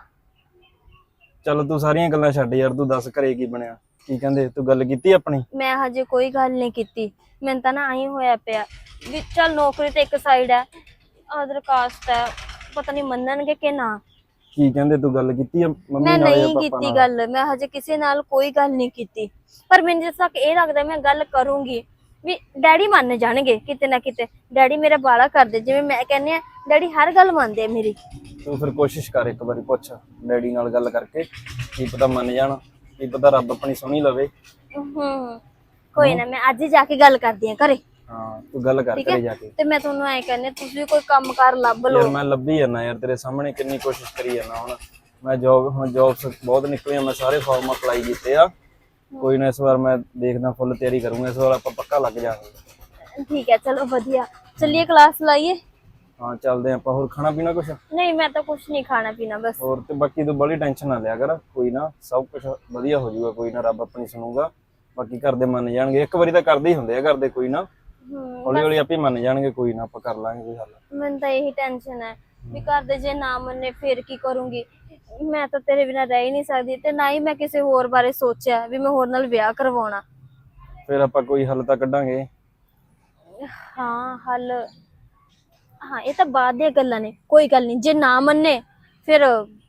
I: ਚੱਲ ਤੂੰ ਸਾਰੀਆਂ ਗੱਲਾਂ ਛੱਡ ਯਾਰ, ਤੂੰ ਦੱਸ ਘਰੇ ਕੀ ਬਣਿਆ, ਕੀ ਕਹਿੰਦੇ? ਤੂੰ ਗੱਲ ਕੀਤੀ ਆਪਣੀ?
H: ਮੈਂ ਹਜੇ ਕੋਈ ਗੱਲ ਨਹੀਂ ਕੀਤੀ, ਮੈਨੂੰ ਤਾਂ ਨਾ ਆਈ ਹੋਇਆ ਪਿਆ ਵੀ ਚੱਲ ਨੌਕਰੀ ਤੇ ਇੱਕ ਸਾਈਡ ਹੈ, ਅਦਰ ਕਾਸਟ ਹੈ, ਪਤਾ ਨਹੀਂ ਮੰਨਣਗੇ ਕਿ ਨਾ।
I: ਕੀ ਕਹਿੰਦੇ? ਤੂੰ ਗੱਲ ਕੀਤੀ ਆ ਮੰਮੀ
H: ਮੈਂ
I: ਨਾਲ ਜਾਂ
H: ਨਹੀਂ
I: ਪਾਪਾ
H: ਕੀਤੀ
I: ਨਾਲ?
H: ਗੱਲ, ਮੈਂ ਹਜੇ ਕਿਸੇ ਨਾਲ ਕੋਈ ਗੱਲ ਨਹੀਂ ਕੀਤੀ, ਪਰ ਮੈਨੂੰ ਜਿਸ ਤੱਕ ਇਹ ਲੱਗਦਾ ਮੈਂ ਗੱਲ ਕਰੂੰਗੀ ਵੀ ਡੈਡੀ ਮੰਨ ਜਾਣਗੇ ਕਿਤੇ ਨਾ ਕਿਤੇ। ਡੈਡੀ ਮੇਰਾ ਬਾਲਾ ਕਰਦੇ, ਜਿਵੇਂ ਮੈਂ ਕਹਿੰਦੀ ਆ ਡੈਡੀ ਹਰ ਗੱਲ ਮੰਨਦੇ ਆ ਮੇਰੀ।
I: ਤੂੰ ਫਿਰ ਕੋਸ਼ਿਸ਼ ਕਰ, ਇੱਕ ਵਾਰੀ ਪੁੱਛ ਡੈਡੀ ਨਾਲ ਗੱਲ ਕਰਕੇ, ਕੀ ਪਤਾ ਮੰਨ ਜਾਣ, ਕੀ ਪਤਾ ਰੱਬ ਆਪਣੀ ਸੁਣੀ ਲਵੇ।
H: ਹੂੰ, ਕੋਈ ਨਾ, ਮੈਂ ਅੱਜ ਹੀ ਜਾ ਕੇ ਗੱਲ ਕਰਦੀ ਆ ਘਰੇ।
I: ਹਾਂ ਤੂੰ ਗੱਲ ਕਰ
H: ਠੀਕ
I: ਘਰੇ
H: ਹੈ
I: ਜਾ ਕੇ।
H: ਤੇ ਮੈਂ ਤੁਹਾਨੂੰ ਐ ਕਹਿੰਦੀ ਹਾਂ, ਤੁਸੀਂ ਵੀ ਕੋਈ ਕੰਮ ਕਾਰ ਲੱਭ
I: ਯਾਰ
H: ਲਓ।
I: ਮੈਂ ਲੱਭੀ ਜਾਂਦਾ ਯਾਰ, ਤੇਰੇ ਸਾਹਮਣੇ ਕਿੰਨੀ ਕੋਸ਼ਿਸ਼ ਕਰੀ ਜਾਂਦਾ। ਹੁਣ ਮੈਂ ਜੋਬ ਹੁਣ ਜੋਬਸ ਬਹੁਤ ਨਿਕਲੀਆਂ, ਮੈਂ ਸਾਰੇ ਫਾਰਮ ਅਪਲਾਈ ਕੀਤੇ ਆ। ਕੋਈ ਨਾ ਇਸ ਵਾਰ ਮੈਂ ਦੇਖਦਾ, ਫੁੱਲ ਤਿਆਰੀ ਕਰੂੰਗਾ ਇਸ ਵਾਰ, ਆਪਾਂ ਪੱਕਾ ਲੱਗ ਜਾਵਾਂਗੇ।
H: ਠੀਕ ਹੈ ਚਲੋ ਵਧੀਆ, ਚੱਲੀਏ ਕਲਾਸ ਲਾਈਏ।
I: ਹਾਂ ਚੱਲਦੇ ਆਪਾਂ। ਹੋਰ ਖਾਣਾ ਪੀਣਾ ਕੁਛ?
H: ਨਹੀਂ ਮੈਂ ਤਾਂ ਕੁਛ ਨਹੀਂ ਖਾਣਾ ਪੀਣਾ ਬਸ।
I: ਹੋਰ ਤੇ ਬਾਕੀ ਤੂੰ ਬੜੀ ਟੈਨਸ਼ਨ ਨਾ ਲਿਆ ਕਰ, ਕੋਈ ਨਾ ਸਭ ਕੁਝ ਵਧੀਆ ਹੋ ਜਾਊਗਾ, ਕੋਈ ਨਾ ਰੱਬ ਆਪਣੀ ਸੁਣੂਗਾ। ਬਾਕੀ ਘਰ ਦੇ ਮੰਨ ਜਾਣਗੇ, ਇੱਕ ਵਾਰੀ ਤਾਂ ਕਰਦੇ ਹੀ ਹੁੰਦੇ ਆ ਘਰ ਦੇ, ਕੋਈ ਨਾ
H: ਹੂੰ
I: ਹੌਲੀ ਹੌਲੀ ਆਪੇ ਮੰਨ ਜਾਣਗੇ, ਕੋਈ ਨਾ ਆਪਾਂ ਕਰ ਲਾਂਗੇ ਕੋਈ ਹੱਲ।
H: ਮੈਨੂੰ ਤਾਂ ਇਹੀ ਟੈਨਸ਼ਨ ਹੈ ਵੀ ਘਰ ਦੇ ਜੇ ਨਾ ਮੰਨੇ ਫਿਰ ਕੀ ਕਰੂੰਗੀ। ਮੈਂ ਤਾਂ ਤੇਰੇ ਬਿਨਾਂ ਰਹਿ ਹੀ ਨਹੀਂ ਸਕਦੀ, ਤੇ ਨਾ ਹੀ ਮੈਂ ਕਿਸੇ ਹੋਰ ਬਾਰੇ ਸੋਚਿਆ ਵੀ ਮੈਂ ਹੋਰ ਨਾਲ ਵਿਆਹ ਕਰਵਾਉਣਾ।
I: ਫਿਰ ਆਪਾਂ ਕੋਈ ਹੱਲ ਤਾਂ ਕੱਢਾਂਗੇ।
H: ਹਾਂ ਹੱਲ, ਹਾਂ ਇਹ ਤਾਂ ਬਾਅਦ ਦੀਆਂ ਗੱਲਾਂ ਨੇ, ਕੋਈ ਗੱਲ ਨਹੀਂ। ਜੇ ਨਾ ਮੰਨੇ ਫਿਰ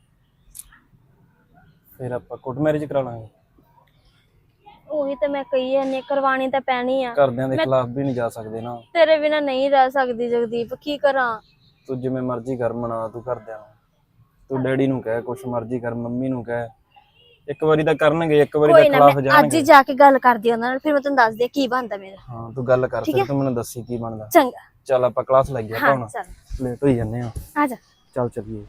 I: ਫਿਰ ਆਪਾਂ ਕੋਰਟ ਮੈਰਿਜ ਕਰਾ ਲਾਂਗੇ।
H: ਉਹੀ ਤਾਂ ਮੈਂ ਕਹੀ ਜਾਂਦੀ ਹਾਂ, ਕਰਵਾਉਣੀ ਤਾਂ ਪੈਣੀ ਆ।
I: ਘਰਦਿਆਂ ਦੇ ਖਿਲਾਫ ਵੀ ਨਹੀਂ ਜਾ ਸਕਦੇ ਨਾ।
H: ਤੇਰੇ ਬਿਨਾਂ ਨਹੀਂ ਰਹਿ ਸਕਦੀ ਜਗਦੀਪ, ਕੀ ਕਰਾਂ।
I: ਤੂੰ ਜਿਵੇਂ ਮਰਜ਼ੀ ਕਰ, ਮਨਾ ਤੂੰ ਘਰਦਿਆਂ ਨੂੰ, ਤੂੰ ਡੈਡੀ ਨੂੰ ਕਹਿ ਕੁਛ ਮਰਜ਼ੀ ਕਰ, ਮੰਮੀ ਨੂੰ ਕਹਿ, ਇੱਕ ਵਾਰੀ ਤਾਂ ਕਰਨਗੇ, ਇੱਕ ਵਾਰੀ ਤਾਂ
H: ਕੋਈ ਨਾ
I: ਖਿਲਾਫ
H: ਮੈਂ ਅੱਜ
I: ਜਾਣਗੇ।
H: ਹੀ ਜਾ ਕੇ ਗੱਲ ਕਰਦੀ ਉਹਨਾਂ ਨਾਲ, ਫਿਰ ਮੈਂ ਤੈਨੂੰ ਦੱਸਦੀ ਹਾਂ ਕੀ ਬਣਦਾ ਮੇਰਾ।
I: ਹਾਂ ਤੂੰ ਗੱਲ ਕਰ,
H: ਠੀਕ
I: ਫਿਰ
H: ਹੈ?
I: ਤੂੰ ਮੈਨੂੰ ਦੱਸੀ ਕੀ ਬਣਦਾ।
H: ਚੰਗਾ
I: ਚੱਲ ਆਪਾਂ ਕਲਾਸ ਲੱਗ
H: ਹਾਂ
I: ਹੁਣ,
H: ਚੱਲ
I: ਲੇਟ ਹੋਈ ਜਾਂਦੇ ਆ।
H: ਆ ਜਾ।
I: ਚੱਲ ਚੱਲੀਏ।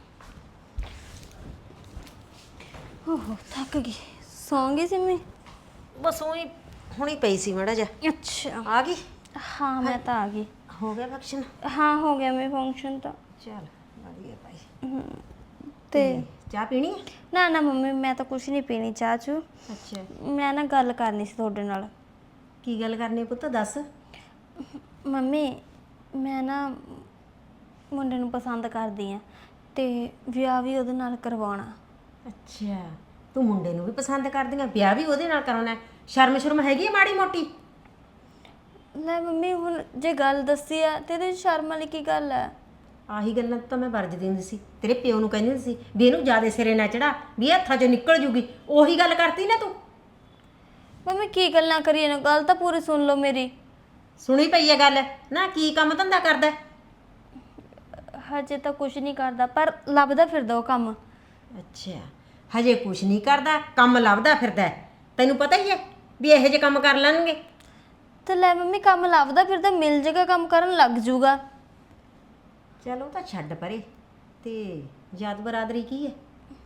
H: ਓਹੋ ਥੱਕ ਗਈ, ਸੌਂ ਗਈ ਸੀ ਮੈਂ।
A: ਬਸ ਉਹੀ ਹੁਣੀ ਪਈ ਸੀ ਮੜਾ ਜਾ।
H: ਅੱਛਾ
A: ਆ ਗਈ?
H: ਹਾਂ ਮੈਂ ਤਾਂ ਆ ਗਈ।
A: ਹੋ ਗਿਆ ਫੰਕਸ਼ਨ?
H: ਹਾਂ ਹੋ ਗਿਆ ਮੇਰੇ ਫੰਕਸ਼ਨ ਤਾਂ।
A: ਚੱਲ ਵਧੀਆ ਭਾਈ।
H: ਤੇ
A: ਚਾਹ ਪੀਣੀ ਹੈ?
H: ਨਾ ਨਾ ਮੰਮੀ ਮੈਂ ਤਾਂ ਕੁਛ ਨਹੀਂ ਪੀਣੀ ਚਾਹ ਚੂ।
A: ਅੱਛਾ
H: ਮੈਂ ਨਾ ਗੱਲ ਕਰਨੀ ਸੀ ਤੁਹਾਡੇ ਨਾਲ।
A: ਕੀ ਗੱਲ ਕਰਨੀ ਪੁੱਤ, ਦੱਸ।
H: ਮੰਮੀ ਮੈਂ ਨਾ ਮੁੰਡੇ ਨੂੰ ਪਸੰਦ ਕਰਦੀ ਆ ਤੇ ਵਿਆਹ ਵੀ ਉਹਦੇ ਨਾਲ ਕਰਵਾਉਣਾ।
A: ਅੱਛਾ ਤੂੰ ਮੁੰਡੇ ਨੂੰ ਵੀ ਪਸੰਦ ਕਰਦੀ ਆ, ਵਿਆਹ ਵੀ ਉਹਦੇ ਨਾਲ ਕਰਾਉਣਾ? ਸ਼ਰਮ ਸ਼ਰਮ ਹੈਗੀ ਆ ਮਾੜੀ ਮੋਟੀ?
H: ਲੈ ਮੰਮੀ ਹੁਣ ਜੇ ਗੱਲ ਦੱਸੀ ਆ ਤੇ ਇਹਦੇ 'ਚ ਸ਼ਰਮ ਵਾਲੀ ਕੀ ਗੱਲ ਹੈ?
A: ਆਹੀ ਗੱਲਾਂ ਤਾਂ ਮੈਂ ਵਰਜਦੀ ਹੁੰਦੀ ਸੀ, ਤੇਰੇ ਪਿਓ ਨੂੰ ਕਹਿੰਦੀ ਹੁੰਦੀ ਸੀ ਵੀ ਇਹਨੂੰ ਜ਼ਿਆਦਾ ਸਿਰੇ ਨਾ ਚੜਾ, ਵੀ ਇਹ ਹੱਥਾਂ 'ਚੋਂ ਨਿਕਲ ਜੂਗੀ। ਉਹੀ ਗੱਲ ਕਰਤੀ ਨਾ ਤੂੰ।
H: ਮੰਮੀ ਕੀ ਗੱਲਾਂ ਕਰੀਏ ਨਾ, ਗੱਲ ਤਾਂ ਪੂਰੀ ਸੁਣ ਲਓ ਮੇਰੀ।
A: ਸੁਣੀ ਪਈ ਹੈ ਗੱਲ ਨਾ, ਕੀ ਕੰਮ ਧੰਦਾ ਕਰਦਾ?
H: ਹਜੇ ਤਾਂ ਕੁਛ ਨਹੀਂ ਕਰਦਾ, ਪਰ ਲੱਭਦਾ ਫਿਰਦਾ ਉਹ ਕੰਮ।
A: ਅੱਛਾ ਹਜੇ ਕੁਛ ਨਹੀਂ ਕਰਦਾ, ਕੰਮ ਲੱਭਦਾ ਫਿਰਦਾ। ਤੈਨੂੰ ਪਤਾ ਹੀ ਹੈ ਵੀ ਇਹੋ ਜਿਹੇ ਕੰਮ ਕਰ ਲੈਣਗੇ।
H: ਤੇ ਲੈ ਮੰਮੀ ਕੰਮ ਲੱਭਦਾ ਫਿਰਦਾ, ਮਿਲ ਜੇਗਾ ਕੰਮ ਕਰਨ ਲੱਗ ਜੂਗਾ।
A: ਚਲੋ ਤਾਂ ਛੱਡ ਪਰੇ। ਤੇ ਜਾਤ ਬਰਾਦਰੀ ਕੀ ਹੈ?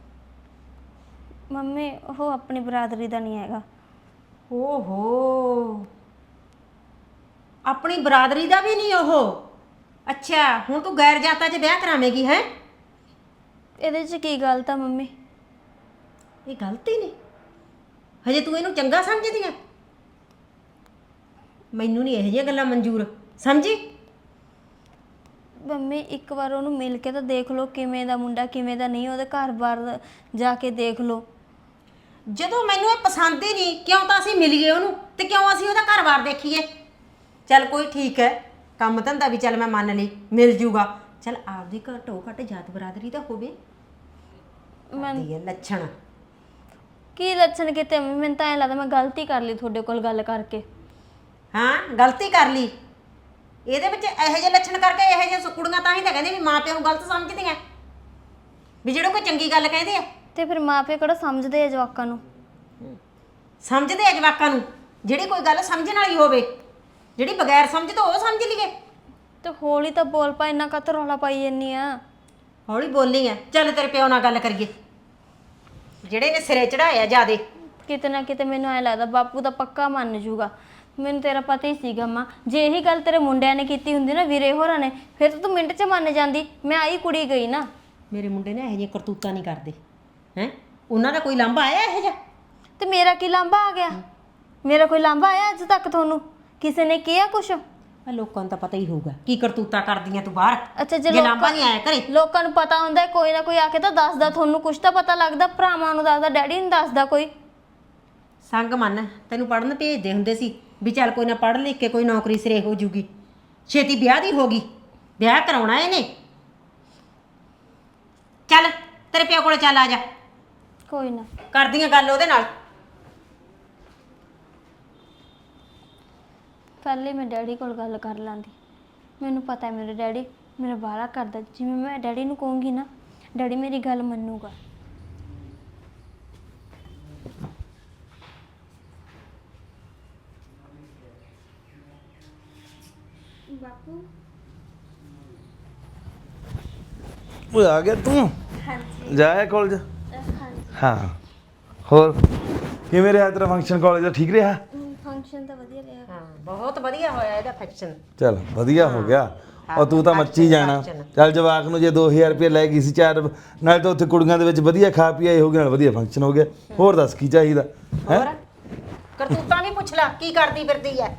H: ਮੰਮੀ ਉਹ ਆਪਣੀ ਬਰਾਦਰੀ ਦਾ ਨਹੀਂ ਹੈਗਾ।
A: ਓਹੋ ਆਪਣੀ ਬਰਾਦਰੀ ਦਾ ਵੀ ਨਹੀਂ ਉਹ? ਅੱਛਾ ਹੁਣ ਤੂੰ ਗੈਰ ਜਾਤਾਂ 'ਚ ਵਿਆਹ ਕਰਾਵੇਂਗੀ ਹੈ?
H: ਇਹਦੇ 'ਚ ਕੀ ਗਲਤ ਆ ਮੰਮੀ?
A: ਇਹ ਗਲਤੀ ਨਹੀਂ, ਹਜੇ ਤੂੰ ਇਹਨੂੰ ਚੰਗਾ ਸਮਝਦੀ ਆ? ਮੈਨੂੰ ਨਹੀਂ ਇਹੋ ਜਿਹੀਆਂ ਗੱਲਾਂ ਮਨਜ਼ੂਰ, ਸਮਝੀ?
H: ਮੰਮੀ ਇੱਕ ਵਾਰ ਉਹਨੂੰ ਮਿਲ ਕੇ ਤਾਂ ਦੇਖ ਲਓ, ਕਿਵੇਂ ਦਾ ਮੁੰਡਾ ਕਿਵੇਂ ਦਾ ਨਹੀਂ, ਉਹਦੇ ਘਰ-ਬਾਰ ਜਾ ਕੇ ਦੇਖ ਲਓ।
A: ਜਦੋਂ ਮੈਨੂੰ ਇਹ ਪਸੰਦ ਹੀ ਨਹੀਂ, ਕਿਉਂ ਤਾਂ ਅਸੀਂ ਮਿਲ ਗਏ ਉਹਨੂੰ, ਤੇ ਕਿਉਂ ਅਸੀਂ ਉਹਦਾ ਘਰ-ਬਾਰ ਦੇਖੀਏ? ਚੱਲ ਕੋਈ ਠੀਕ ਹੈ, ਕੰਮ ਧੰਦਾ ਵੀ ਚੱਲ ਮੈਂ ਮੰਨ ਲਈ ਮਿਲ ਜੂਗਾ, ਚੱਲ ਆਪਦੀ ਘੱਟੋ ਘੱਟ ਜਾਤ ਬਰਾਦਰੀ ਤਾਂ ਹੋਵੇ।
H: ਮੈਂ
A: ਇਹ ਲੱਛਣ
H: ਕੀ ਲੱਛਣ ਕਿਤੇ ਮੰਮੀ, ਮੈਨੂੰ ਤਾਂ ਐਂ ਲੱਗਦਾ ਮੈਂ ਗਲਤੀ ਕਰ ਲਈ ਤੁਹਾਡੇ ਕੋਲ ਗੱਲ ਕਰਕੇ।
A: ਹਾਂ ਗਲਤੀ ਕਰ ਲਈ, ਇਹਦੇ ਵਿੱਚ ਇਹੋ ਜਿਹੇ ਲੱਛਣ ਕਰਕੇ ਇਹੋ ਜਿਹੇ ਕੁੜੀਆਂ ਤਾਂ ਹੀ ਤਾਂ ਕਹਿੰਦੇ ਵੀ ਮਾਂ ਪਿਓ ਨੂੰ ਗਲਤ ਸਮਝਦੀਆਂ, ਵੀ ਜਿਹੜੇ ਕੋਈ ਚੰਗੀ ਗੱਲ ਕਹਿੰਦੇ ਆ।
H: ਤੇ ਫਿਰ ਮਾਪੇ ਕਿਹੜਾ ਸਮਝਦੇ ਆ ਜਵਾਕਾਂ ਨੂੰ?
A: ਸਮਝਦੇ ਆ ਜਵਾਕਾਂ ਨੂੰ, ਜਿਹੜੀ ਕੋਈ ਗੱਲ ਸਮਝਣ ਵਾਲੀ ਹੋਵੇ, ਜਿਹੜੀ ਬਗੈਰ ਸਮਝ ਤੋਂ ਉਹ ਸਮਝ ਲਈਏ।
H: ਤੇ ਹੌਲੀ ਤਾਂ ਬੋਲ ਪਾ, ਇੰਨਾ ਕਾਹਤੋਂ ਰੌਲਾ ਪਾਈ ਜੰਨੀ ਆ?
A: ਹੌਲੀ ਬੋਲੀ ਆ, ਚੱਲ ਤੇਰੇ ਪਿਓ ਨਾਲ ਗੱਲ ਕਰੀਏ, ਜਿਹੜੇ ਨੇ ਸਿਰੇ ਚੜਾਇਆ ਜਿਆਦੇ।
H: ਕਿਤੇ ਨਾ ਕਿਤੇ ਮੈਨੂੰ ਐਂ ਲੱਗਦਾ ਬਾਪੂ ਤਾਂ ਪੱਕਾ ਮੰਨ ਜੂਗਾ। ਮੈਨੂੰ ਤੇਰਾ ਪਤਾ ਹੀ ਸੀਗਾ ਮਾਂ, ਜੇ ਇਹੀ ਗੱਲ ਤੇਰੇ ਮੁੰਡਿਆਂ ਨੇ ਕੀਤੀ ਹੁੰਦੀ ਨਾ, ਵੀਰੇ ਹੋਰਾਂ ਨੇ, ਫਿਰ ਤਾਂ ਤੂੰ ਮਿੰਟ 'ਚ ਮੰਨ ਜਾਂਦੀ। ਮੈਂ ਆਈ ਕੁੜੀ ਗਈ ਨਾ।
A: ਮੇਰੇ ਮੁੰਡੇ ਨੇ ਇਹੋ ਜਿਹੀਆਂ ਕਰਤੂਤਾਂ ਨਹੀਂ ਕਰਦੇ ਹੈ, ਉਹਨਾਂ ਦਾ ਕੋਈ ਲਾਂਭਾ ਆਇਆ ਇਹੋ ਜਿਹਾ?
H: ਤੇ ਮੇਰਾ ਕੀ ਲਾਂਭਾ ਆ ਗਿਆ? ਮੇਰਾ ਕੋਈ ਲਾਂਭਾ ਆਇਆ ਅੱਜ ਤੱਕ ਤੁਹਾਨੂੰ? ਕਿਸੇ ਨੇ ਕਿਹਾ ਕੁਛ?
A: ਆ ਲੋਕਾਂ ਨੂੰ ਤਾਂ ਪਤਾ ਹੀ ਹੋਊਗਾ ਕੀ ਕਰਤੂਤਾਂ ਕਰਦੀਆਂ ਤੂੰ ਬਾਹਰ।
H: ਅੱਛਾ ਜੇ
A: ਜੇ ਲਾਂਭਾ ਨਹੀਂ ਆਇਆ ਘਰੇ,
H: ਲੋਕਾਂ ਨੂੰ ਪਤਾ ਹੁੰਦਾ, ਕੋਈ ਨਾ ਕੋਈ ਆ ਕੇ ਤਾਂ ਦੱਸਦਾ, ਤੁਹਾਨੂੰ ਕੁਛ ਤਾਂ ਪਤਾ ਲੱਗਦਾ। ਭਰਾਵਾਂ ਨੂੰ ਦੱਸਦਾ, ਡੈਡੀ ਨੂੰ ਦੱਸਦਾ ਕੋਈ?
A: ਸੰਗ ਮੰਨ ਤੈਨੂੰ ਪੜਨ ਭੇਜਦੇ ਹੁੰਦੇ ਸੀ ਵੀ ਚੱਲ ਕੋਈ ਨਾ ਪੜ੍ਹ ਲਿਖ ਕੇ ਕੋਈ ਨੌਕਰੀ ਸਿਰੇ ਹੋ ਜੂਗੀ, ਛੇਤੀ ਵਿਆਹ ਦੀ ਹੋ ਗਈ, ਵਿਆਹ ਕਰਾਉਣਾ ਇਹਨੇ। ਚੱਲ ਤੇਰੇ ਪਿਓ ਕੋਲੇ ਚੱਲ, ਆ ਜਾ,
H: ਕੋਈ ਨਾ
A: ਕਰਦੀਆਂ ਗੱਲ ਉਹਦੇ ਨਾਲ।
H: ਪਹਿਲੇ ਮੈਂ ਡੈਡੀ ਕੋਲ ਗੱਲ ਕਰ ਲਾਂਦੀ। ਮੈਨੂੰ ਪਤਾ ਹੈ ਮੇਰੇ ਡੈਡੀ ਮੇਰਾ ਬਾਹਲਾ ਕਰਦਾ, ਜਿਵੇਂ ਮੈਂ ਡੈਡੀ ਨੂੰ ਕਹੂੰਗੀ ਨਾ, ਡੈਡੀ ਮੇਰੀ ਗੱਲ ਮੰਨੂਗਾ।
F: ਬਾਪੂ
D: ਉਹ ਆ ਗਿਆ ਤੂੰ
F: ਹਾਂਜੀ
D: ਜਾਇਆ ਕਾਲਜ
F: ਹਾਂਜੀ
D: ਹਾਂ ਹੋਰ ਕਿਵੇਂ ਰਿਹਾ ਤੇਰਾ ਫੰਕਸ਼ਨ ਕਾਲਜ ਦਾ ਠੀਕ ਰਿਹਾ
F: ਫੰਕਸ਼ਨ ਤਾਂ ਵਧੀਆ ਰਿਹਾ
A: ਹਾਂ ਬਹੁਤ ਵਧੀਆ ਹੋਇਆ ਇਹਦਾ ਫੈਕਸ਼ਨ।
D: ਚਲ ਵਧੀਆ ਹੋ ਗਿਆ ਔਰ ਤੂੰ ਤਾਂ ਮੱਚੀ ਜਾਣਾ ਚੱਲ ਜਵਾਕ ਨੂੰ ਜੇ ਦੋ ਹਜ਼ਾਰ ਰੁਪਏ ਲੈ ਗਈ ਸੀ ਚਾਰ ਨਾਲ ਤਾਂ ਉੱਥੇ ਕੁੜੀਆਂ ਦੇ ਵਿੱਚ ਵਧੀਆ ਖਾ ਪੀ ਆਏ ਹੋਗੇ ਨਾਲ ਵਧੀਆ ਫੰਕਸ਼ਨ ਹੋ ਗਿਆ ਹੋਰ ਦੱਸ ਕੀ ਚਾਹੀਦਾ ਹੈ
A: ਹੋਰ ਕਰਤੂਤਾਂ ਵੀ ਪੁੱਛ ਲੈ ਕੀ ਕਰਦੀ ਫਿਰਦੀ ਐ।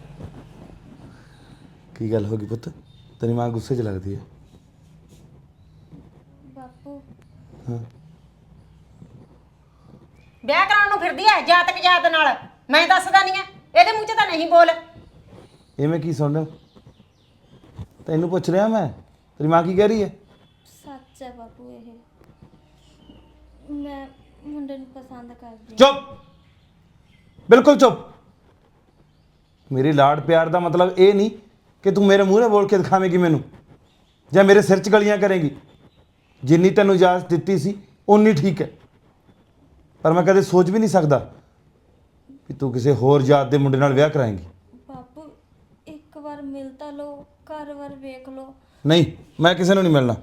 D: ਕੀ ਗੱਲ ਹੋ ਗਈ ਪੁੱਤ ਤੇਰੀ ਮਾਂ ਗੁੱਸੇ 'ਚ ਲੱਗਦੀ ਹੈ
F: ਬਾਪੂ
D: ਹਾਂ
A: ਵਿਆਹ ਕਰਾਉਣ ਨੂੰ ਫਿਰਦੀ ਐ ਜਾਤਕ ਜਾਤ ਨਾਲ। ਮੈਂ ਦੱਸਦਾ ਨਹੀਂ ਐ ਇਹਦੇ ਮੂੰਹ 'ਚ ਤਾਂ ਨਹੀਂ ਬੋਲ।
D: ਐਵੇਂ ਕੀ ਸੁਣ ਤੈਨੂੰ ਪੁੱਛ ਰਿਹਾ ਮੈਂ ਤੇਰੀ ਮਾਂ ਕੀ ਕਹਿ ਰਹੀ ਹੈ
F: ਸੱਚ ਹੈ ਬਾਪੂ ਇਹ ਮੈਂ ਮੁੰਡੇ ਨੂੰ ਪਸੰਦ ਕਰਦੀ
D: ਚੁੱਪ ਬਿਲਕੁਲ ਚੁੱਪ ਮੇਰੀ ਲਾਡ ਪਿਆਰ ਦਾ ਮਤਲਬ ਇਹ ਨਹੀਂ ਕਿ ਤੂੰ ਮੇਰੇ ਮੂਹਰੇ ਬੋਲ ਕੇ ਦਿਖਾਵੇਂਗੀ ਮੈਨੂੰ ਜਾਂ ਮੇਰੇ ਸਿਰ 'ਚ ਗਲੀਆਂ ਕਰੇਂਗੀ। ਜਿੰਨੀ ਤੈਨੂੰ ਇਜਾਜ਼ਤ ਦਿੱਤੀ ਸੀ ਉਨੀ ਠੀਕ ਹੈ ਪਰ ਮੈਂ ਕਦੇ ਸੋਚ ਵੀ ਨਹੀਂ ਸਕਦਾ ਕਿ ਤੂੰ ਕਿਸੇ ਹੋਰ ਜਾਤ ਦੇ ਮੁੰਡੇ ਨਾਲ ਵਿਆਹ ਕਰਾਏਂਗੀ।
F: ਬਾਪੂ ਇੱਕ ਵਾਰ ਮਿਲ ਤਾਂ ਲਓ ਘਰ ਵਾਰ ਵੇਖ ਲਓ।
D: ਨਹੀਂ ਮੈਂ ਕਿਸੇ ਨੂੰ ਨਹੀਂ ਮਿਲਣਾ।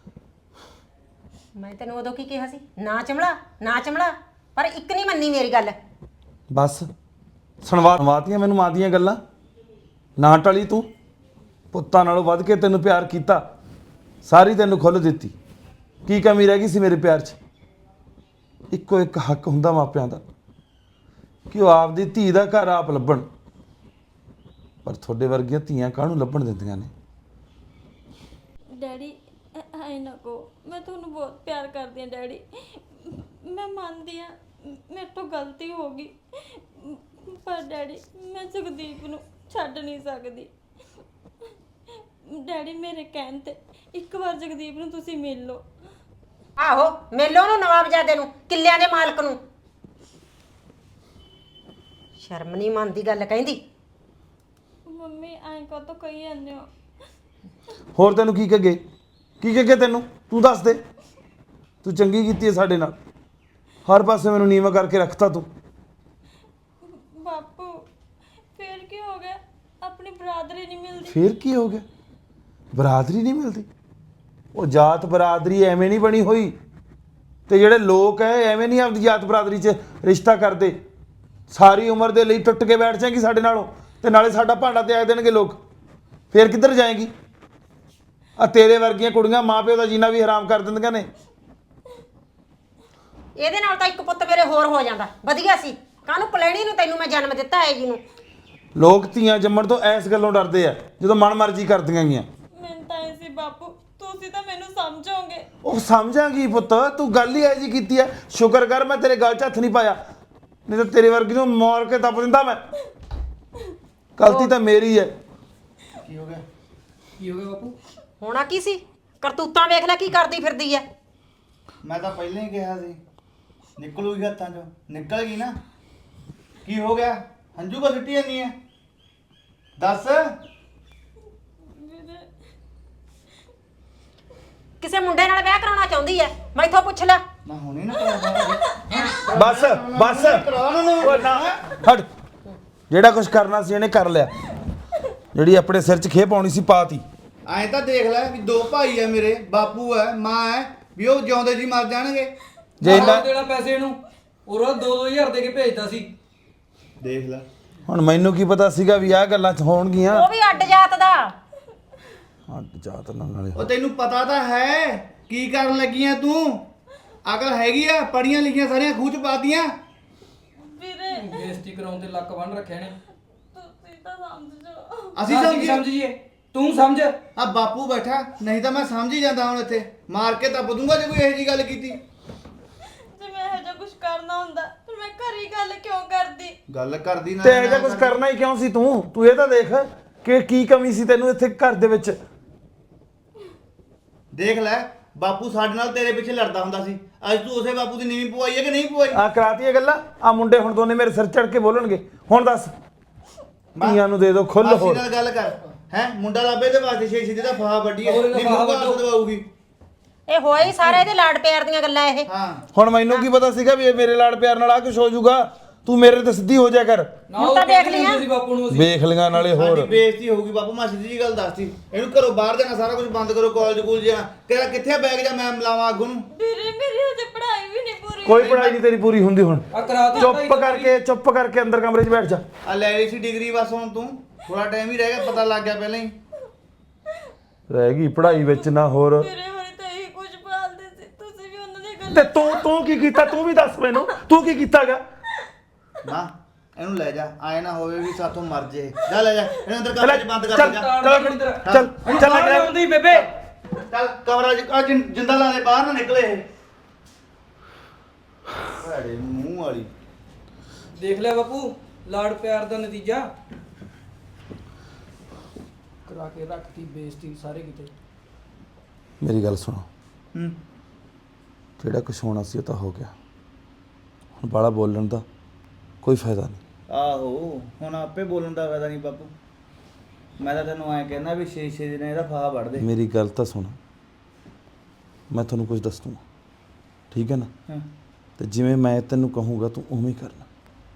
A: ਮੈਂ ਤੈਨੂੰ ਉਦੋਂ ਕੀ ਕਿਹਾ ਸੀ ਨਾ ਚਮੜਾ ਨਾ ਚਮੜਾ ਪਰ ਇੱਕ ਨਹੀਂ ਮੰਨੀ ਮੇਰੀ ਗੱਲ।
D: ਬਸ ਸੁਣਵਾ ਸੁਣਵਾਤੀਆਂ ਮੈਨੂੰ ਮਾਂ ਦੀਆਂ ਗੱਲਾਂ ਨਾ ਟਲੀ ਤੂੰ ਪੁੱਤਾਂ ਨਾਲੋਂ ਵੱਧ ਕੇ ਤੈਨੂੰ ਪਿਆਰ ਕੀਤਾ ਸਾਰੀ ਤੈਨੂੰ ਖੁੱਲ੍ਹ ਦਿੱਤੀ ਕੀ ਕਮੀ ਰਹਿ ਗਈ ਸੀ ਮੇਰੇ ਪਿਆਰ 'ਚ। ਇੱਕੋ ਇੱਕ ਹੱਕ ਹੁੰਦਾ ਮਾਪਿਆਂ ਦਾ ਕਿ ਉਹ ਆਪਦੀ ਧੀ ਦਾ ਘਰ ਆਪ ਲੱਭਣ ਪਰ ਤੁਹਾਡੇ ਵਰਗੀਆਂ ਧੀਆਂ ਕਾਹਨੂੰ ਲੱਭਣ ਦਿੰਦੀਆਂ ਨੇ।
F: ਡੈਡੀ ਐ ਨਾ ਕਹੋ ਮੈਂ ਤੁਹਾਨੂੰ ਬਹੁਤ ਪਿਆਰ ਕਰਦੀ ਹਾਂ ਡੈਡੀ। ਮੈਂ ਮੰਨਦੀ ਹਾਂ ਮੇਰੇ ਤੋਂ ਗਲਤੀ ਹੋ ਗਈ ਪਰ ਡੈਡੀ ਮੈਂ ਜਗਦੀਪ ਨੂੰ ਛੱਡ ਨਹੀਂ ਸਕਦੀ। ਡੈਡੀ ਮੇਰੇ ਕਹਿਣ ਤੇ ਇੱਕ ਵਾਰ ਜਗਦੀਪ ਨੂੰ ਤੁਸੀਂ ਮਿਲ ਲਓ।
A: ਆਹੋ ਮੇਲੋ ਨੂੰ ਨਵਾਬਜ਼ਾਦੇ ਨੂੰ ਕਿੱਲਿਆਂ ਦੇ ਮਾਲਕ ਨੂੰ ਸ਼ਰਮ ਨਹੀਂ ਮੰਨਦੀ ਗੱਲ ਕਹਿੰਦੀ।
F: ਮੰਮੀ ਐਂ ਕਾਹਤੋਂ ਕਹੀ ਜਾਂਦੇ ਹੋ।
D: ਹੋਰ ਤੈਨੂੰ ਕੀ ਕਹਗੇ ਕੀ ਕਹਗੇ ਤੈਨੂੰ ਤੂੰ ਦੱਸ ਦੇ ਤੂੰ ਚੰਗੀ ਕੀਤੀ ਹੈ ਸਾਡੇ ਨਾਲ ਹਰ ਪਾਸੇ ਮੈਨੂੰ ਨੀਵਾਂ ਕਰਕੇ ਰੱਖਤਾ ਤੂੰ।
F: ਬਾਪੂ ਫੇਰ ਕੀ ਹੋ ਗਿਆ ਆਪਣੀ ਬਰਾਦਰੀ ਨਹੀਂ ਮਿਲਦੀ।
D: ਫੇਰ ਕੀ ਹੋ ਗਿਆ ਬਰਾਦਰੀ ਨਹੀਂ ਮਿਲਦੀ ਉਹ ਜਾਤ ਬਰਾਦਰੀ ਐਵੇਂ ਨਹੀਂ ਬਣੀ ਹੋਈ ਤੇ ਜਿਹੜੇ ਲੋਕ ਐ ਐਵੇਂ ਨਹੀਂ ਆਪਦੀ ਜਾਤ ਬਰਾਦਰੀ 'ਚ ਰਿਸ਼ਤਾ ਕਰਦੇ। ਸਾਰੀ ਉਮਰ ਦੇ ਲਈ ਟੁੱਟ ਕੇ ਬੈਠ ਜਾਏਗੀ ਸਾਡੇ ਨਾਲੋਂ ਤੇ ਨਾਲੇ ਸਾਡਾ ਭਾਂਡਾ ਤਿਆਗ ਦੇਣਗੇ ਲੋਕ। ਫੇਰ ਕਿੱਧਰ ਜਾਏਗੀ ਆ ਤੇਰੇ ਵਰਗੀਆਂ ਕੁੜੀਆਂ ਮਾਂ ਪਿਓ ਦਾ ਜੀਣਾ ਵੀ ਹਰਾਮ ਕਰ ਦਿੰਦੀਆਂ ਨੇ।
A: ਇਹਦੇ ਨਾਲ ਤਾਂ ਇੱਕ ਪੁੱਤ ਮੇਰੇ ਹੋਰ ਹੋ ਜਾਂਦਾ ਵਧੀਆ ਸੀ। ਕਾਹਨੂੰ ਪਲੈਣੀ ਨੂੰ ਤੈਨੂੰ ਮੈਂ ਜਨਮ ਦਿੱਤਾ ਹੈ ਜੀ ਨੂੰ।
D: ਲੋਕ ਧੀਆਂ ਜੰਮਣ ਤੋਂ ਐਸ ਗੱਲੋਂ ਡਰਦੇ ਆ ਜਦੋਂ ਮਨ ਮਰਜ਼ੀ ਕਰਦੀਆਂ ਗੀਆਂ।
F: ਮੈਂ ਤਾਂ ਐ ਸੀ ਬਾਪੂ ਤੁਸੀਂ ਤਾਂ ਮੈਨੂੰ ਸਮਝੋਗੇ।
D: ਉਹ ਸਮਝਾਂਗੀ ਪੁੱਤ ਤੂੰ ਗੱਲ ਹੀ ਐ ਜੀ ਕੀਤੀ ਐ ਸ਼ੁਕਰ ਕਰ ਮੈਂ ਤੇਰੇ ਗੱਲ 'ਚ ਹੱਥ ਨਹੀਂ ਪਾਇਆ ਨਹੀਂ ਤਾਂ ਤੇਰੇ ਵਰਗੀ ਨੂੰ ਮਾਰ ਕੇ ਦੱਬ ਦਿੰਦਾ ਮੈਂ। ਗਲਤੀ ਤਾਂ ਮੇਰੀ ਹੈ।
C: ਕੀ ਹੋ ਗਿਆ ਕੀ ਹੋ ਗਿਆ ਬਾਪੂ
A: ਹੋਣਾ ਕੀ ਸੀ ਕਰਤੂਤਾਂ ਵੇਖ ਲੈ ਕੀ ਕਰਦੀ ਫਿਰਦੀ ਐ।
B: ਮੈਂ ਤਾਂ ਪਹਿਲਾਂ ਹੀ ਕਿਹਾ ਸੀ ਨਿਕਲੂਗੀ ਹੱਥਾਂ 'ਚੋਂ ਨਿਕਲ ਗਈ ਨਾ ਕੀ ਹੋ ਗਿਆ ਹੰਝੂ ਕੋ ਸਿੱਟੀ ਜਾਂਦੀ ਹੈ ਦੱਸ।
A: ਕਿਸੇ ਮੁੰਡੇ ਨਾਲ ਵਿਆਹ ਕਰਾਉਣਾ ਚਾਹੁੰਦੀ ਐ ਮੈਥੋਂ ਪੁੱਛ ਲੈ।
B: ਮੈਂ ਹੁਣੇ ਨਾ ਕਰਾਂ
D: ਬਸ ਬਸ ਉਹ ਨਾ ਹਟ ਜਿਹੜਾ ਕੁਝ ਕਰਨਾ ਸੀ ਇਹਨੇ ਕਰ ਲਿਆ ਜਿਹੜੀ ਆਪਣੇ ਸਿਰ 'ਚ ਖੇਪ ਆਉਣੀ ਸੀ ਪਾਤੀ।
B: ਐਂ ਤਾਂ ਦੇਖ ਲੈ ਵੀ ਦੋ ਭਾਈ ਆ ਮੇਰੇ ਬਾਪੂ ਹੈ ਮਾਂ ਹੈ ਵੀ ਉਹ ਜਿਉਂਦੇ ਜੀ ਮਰ ਜਾਣਗੇ।
D: ਜੇ ਇੰਨਾ
E: ਦੇਣਾ ਪੈਸੇ ਇਹਨੂੰ ਉਹ ਦੋ ਦੋ ਹਜ਼ਾਰ ਦੇ ਕੇ ਭੇਜਦਾ ਸੀ।
B: ਦੇਖ ਲੈ
D: ਹੁਣ ਮੈਨੂੰ ਕੀ ਪਤਾ ਸੀਗਾ ਵੀ ਆਹ ਗੱਲਾਂ 'ਚ ਹੋਣਗੀਆਂ।
A: ਉਹ ਵੀ ਅੱਡ ਜਾਤ ਦਾ।
D: ਅੱਡ ਜਾਤ ਨਾਲ ਨਾਲੇ
B: ਉਹ ਤੈਨੂੰ ਪਤਾ ਤਾਂ ਹੈ ਕੀ ਕਰਨ ਲੱਗੀਆਂ ਤੂੰ ਅਕਲ ਹੈਗੀ ਆ ਪੜੀਆਂ ਲਿਖੀਆਂ ਸਾਰੀਆਂ ਖੂਹ 'ਚ ਪਾਤੀਆਂ।
F: ਵੀਰੇ
E: ਬੇਇੱਜ਼ਤੀ ਕਰਾਉਣ ਤੇ ਲੱਕ ਬੰਨ ਰੱਖਿਆ ਨੇ।
F: ਤੁਸੀਂ ਤਾਂ ਸਮਝ ਜਾਓ।
B: ਅਸੀਂ
E: ਅਸੀਂ
B: ਸਮਝੀ
E: ਸਮਝੀਏ ਤੂੰ ਸਮਝ।
B: ਆ ਬਾਪੂ ਬੈਠਾ ਨਹੀਂ ਤਾਂ ਮੈਂ ਸਮਝ ਹੀ ਜਾਂਦਾ ਹੁਣ ਇੱਥੇ ਮਾਰ ਕੇ ਦੱਬ ਦੂੰਗਾ ਜੇ ਕੋਈ ਇਹੋ ਜਿਹੀ ਗੱਲ ਕੀਤੀ।
F: ਜੇ ਮੈਂ ਇਹੋ ਜਿਹਾ ਕੁਝ ਕਰਨਾ ਹੁੰਦਾ ਫਿਰ ਮੈਂ ਘਰੀ ਗੱਲ ਕਿਉਂ ਕਰਦੀ।
B: ਗੱਲ ਕਰਦੀ ਨਾ
D: ਤੇ ਇਹ ਜਿਹਾ ਕੁਝ ਕਰਨਾ ਹੀ ਕਿਉਂ ਸੀ ਤੂੰ ਤੂੰ ਇਹ ਤਾਂ ਦੇਖ ਕਿ ਕੀ ਕਮੀ ਸੀ ਤੈਨੂੰ ਇੱਥੇ ਘਰ ਦੇ ਵਿੱਚ।
B: ਦੇਖ ਲੈ ਬਾਪੂ ਸਾਡੇ ਨਾਲ ਤੇਰੇ ਪਿੱਛੇ ਲੜਦਾ ਹੁੰਦਾ ਸੀ ਅੱਜ ਤੂੰ ਉਸੇ ਬਾਪੂ ਦੀ ਨੀਵੀਂ ਪਵਾਈ ਹੈ ਕਿ ਨਹੀਂ ਪਵਾਈ।
D: ਆ ਕਰਾਤੀਆਂ ਗੱਲਾਂ ਆ ਮੁੰਡੇ ਹੁਣ ਦੋਨੇ ਮੇਰੇ ਸਿਰ ਚੜ ਕੇ ਬੋਲਣਗੇ ਹੁਣ ਦੱਸ ਧੀਆਂ ਨੂੰ ਦੇ ਦਿਓ ਖੁੱਲ
B: ਮਾਸੀ
D: ਹੋਰ।
B: ਨਾਲ ਗੱਲ ਕਰ ਹੈ ਮੁੰਡਾ ਲੱਭੇ ਤੇ ਵਾਸਤੇ ਛੇ ਛੇ ਦਾ ਫਾਹਾ ਵੱਡੀ ਹੈ
E: ਹੋਰ ਇਹਦਾ
B: ਨਹੀਂ
E: ਫਾਹਾ
B: ਮੁੰਡਾ
E: ਵੱਢੋ।
B: ਦਵਾਉਗੀ।
A: ਇਹ ਹੋਏ ਹੀ ਸਾਰੇ ਇਹਦੇ ਲਾਡ ਪਿਆਰ ਦੀਆਂ ਗੱਲਾਂ ਇਹ।
B: ਹਾਂ
D: ਹੁਣ ਮੈਨੂੰ ਕੀ ਪਤਾ ਸੀਗਾ ਵੀ ਇਹ ਮੇਰੇ ਲਾੜ ਪਿਆਰ ਨਾਲ ਆ ਕੁਝ ਹੋ ਜਾਊਗਾ
J: ਤੂੰ ਮੇਰੇ ਤੇ ਸਿੱਧੀ ਹੋ ਜਾ ਕਰ।
A: ਹੁਣ ਤਾਂ ਦੇਖ ਲਿਆ
E: ਬਾਪੂ ਨੂੰ
J: ਵੇਖ ਲਿਆ ਨਾਲੇ
B: ਸਾਡੀ
J: ਹੋਰ
B: ਬੇਇੱਜ਼ਤੀ ਹੋਊਗੀ ਬਾਪੂ, ਮੈਂ ਸਿੱਧੀ ਜੀ ਗੱਲ ਦੱਸਤੀ। ਇਹਨੂੰ ਘਰੋਂ ਬਾਹਰ ਜਾਣਾ, ਸਾਰਾ ਕੁਝ ਬੰਦ ਕਰੋ, ਕਾਲਜ ਕੂਲ ਜਾਣਾ। ਤੇਰਾ ਕਿੱਥੇ ਆ ਬੈਗ? ਜਾਂ ਮੈਂ ਮਿਲਾਵਾਂ ਅੱਗੋਂ ਨੂੰ?
F: ਵੀਰੇ ਮੇਰੀ ਹਜੇ ਪੜ੍ਹਾਈ ਵੀ ਨਹੀਂ ਪੂਰੀ
J: ਕੋਈ ਪੜ੍ਹਾਈ ਨਹੀਂ ਤੇਰੀ ਪੂਰੀ ਹੁੰਦੀ ਹੁਣ।
E: ਆ ਕਰਾ ਦੇ
J: ਚੁੱਪ ਕਰਕੇ ਚੁੱਪ ਕਰਕੇ ਅੰਦਰ ਕਮਰੇ 'ਚ ਬੈਠ ਜਾ।
B: ਆ ਲੈ ਲਈ ਸੀ ਡਿਗਰੀ, ਬਸ ਹੁਣ ਤੂੰ ਥੋੜਾ ਟਾਈਮ ਹੀ ਰਹਿ ਗਿਆ, ਪਤਾ ਲੱਗ ਗਿਆ ਪਹਿਲਾਂ ਹੀ।
J: ਰਹਿ ਗਈ ਪੜ੍ਹਾਈ ਵਿੱਚ ਨਾ ਹੋਰ।
F: ਮੇਰੇ ਹੋਰੇ ਤਾਂ ਇਹੀ ਕੁਝ ਪਾਲਦੇ ਸੀ, ਤੁਸੀਂ ਵੀ ਉਹਨਾਂ ਦੀ ਗੱਲ
J: ਤੇ ਤੂੰ ਤੂੰ ਕੀ ਕੀਤਾ? ਤੂੰ ਵੀ ਦੱਸ ਮੈਨੂੰ, ਤੂੰ ਕੀ ਕੀਤਾਗਾ?
B: ਨਾ ਇਹਨੂੰ ਲੈ ਜਾ, ਆਏ ਨਾ ਹੋਵੇ ਵੀ ਸਾਥੋਂ ਮਰ ਜੇ। ਜਾ ਲੈ ਜਾ ਇਹਨੂੰ ਅੰਦਰ
J: ਚੱਲ
B: ਕਮਰੇ 'ਚ ਬੰਦ ਕਰ
J: ਚੱਲ
B: ਜਾ।
J: ਚੱਲ ਚੱਲ ਚੱਲ ਲੱਗ ਰਿਹਾ।
E: ਆਉਂਦੀ ਬੇਬੇ
B: ਚੱਲ ਕਮਰਾ 'ਚ ਆ ਜਿੰ- ਜਿੰਦਾ ਲਾ ਦੇ, ਬਾਹਰ ਨਾ ਨਿਕਲੇ ਇਹ। ਭੈੜੇ ਮੂੰਹ ਵਾਲੀ।
E: ਦੇਖ ਲਿਆ ਬਾਪੂ ਲਾੜ ਪਿਆਰ ਦਾ ਨਤੀਜਾ। ਕਰਾ ਕੇ ਰੱਖਤੀ ਬੇਇੱਜ਼ਤੀ ਸਾਰੇ ਕਿਤੇ।
J: ਮੇਰੀ ਗੱਲ ਸੁਣੋ,
B: ਹੂੰ
J: ਜਿਹੜਾ ਕੁਛ ਹੋਣਾ ਸੀ ਉਹ ਤਾਂ ਹੋ ਗਿਆ। ਹੁਣ ਬਾਲਾ ਬੋਲਣ ਦਾ ਕੋਈ ਫਾਇਦਾ ਨਹੀਂ।
B: ਆਹੋ ਹੁਣ ਆਪੇ ਬੋਲਣ ਦਾ ਫਾਇਦਾ ਨਹੀਂ ਬਾਪੂ। ਮੈਂ ਤਾਂ ਤੈਨੂੰ ਐਂ ਕਹਿੰਦਾ ਵੀ ਛੇ ਛੇ ਦਿਨ ਇਹਦਾ ਫਾਹਾ ਵੜ ਦੇ।
J: ਮੇਰੀ ਗੱਲ ਤਾਂ ਸੁਣ, ਮੈਂ ਤੁਹਾਨੂੰ ਕੁਝ ਦੱਸ ਦੂੰਗਾ, ਠੀਕ ਹੈ ਨਾ?
B: ਹਾਂ
J: ਤੇ ਜਿਵੇਂ ਮੈਂ ਤੈਨੂੰ ਕਹੂੰਗਾ ਤੂੰ ਉਵੇਂ ਹੀ ਕਰਨਾ।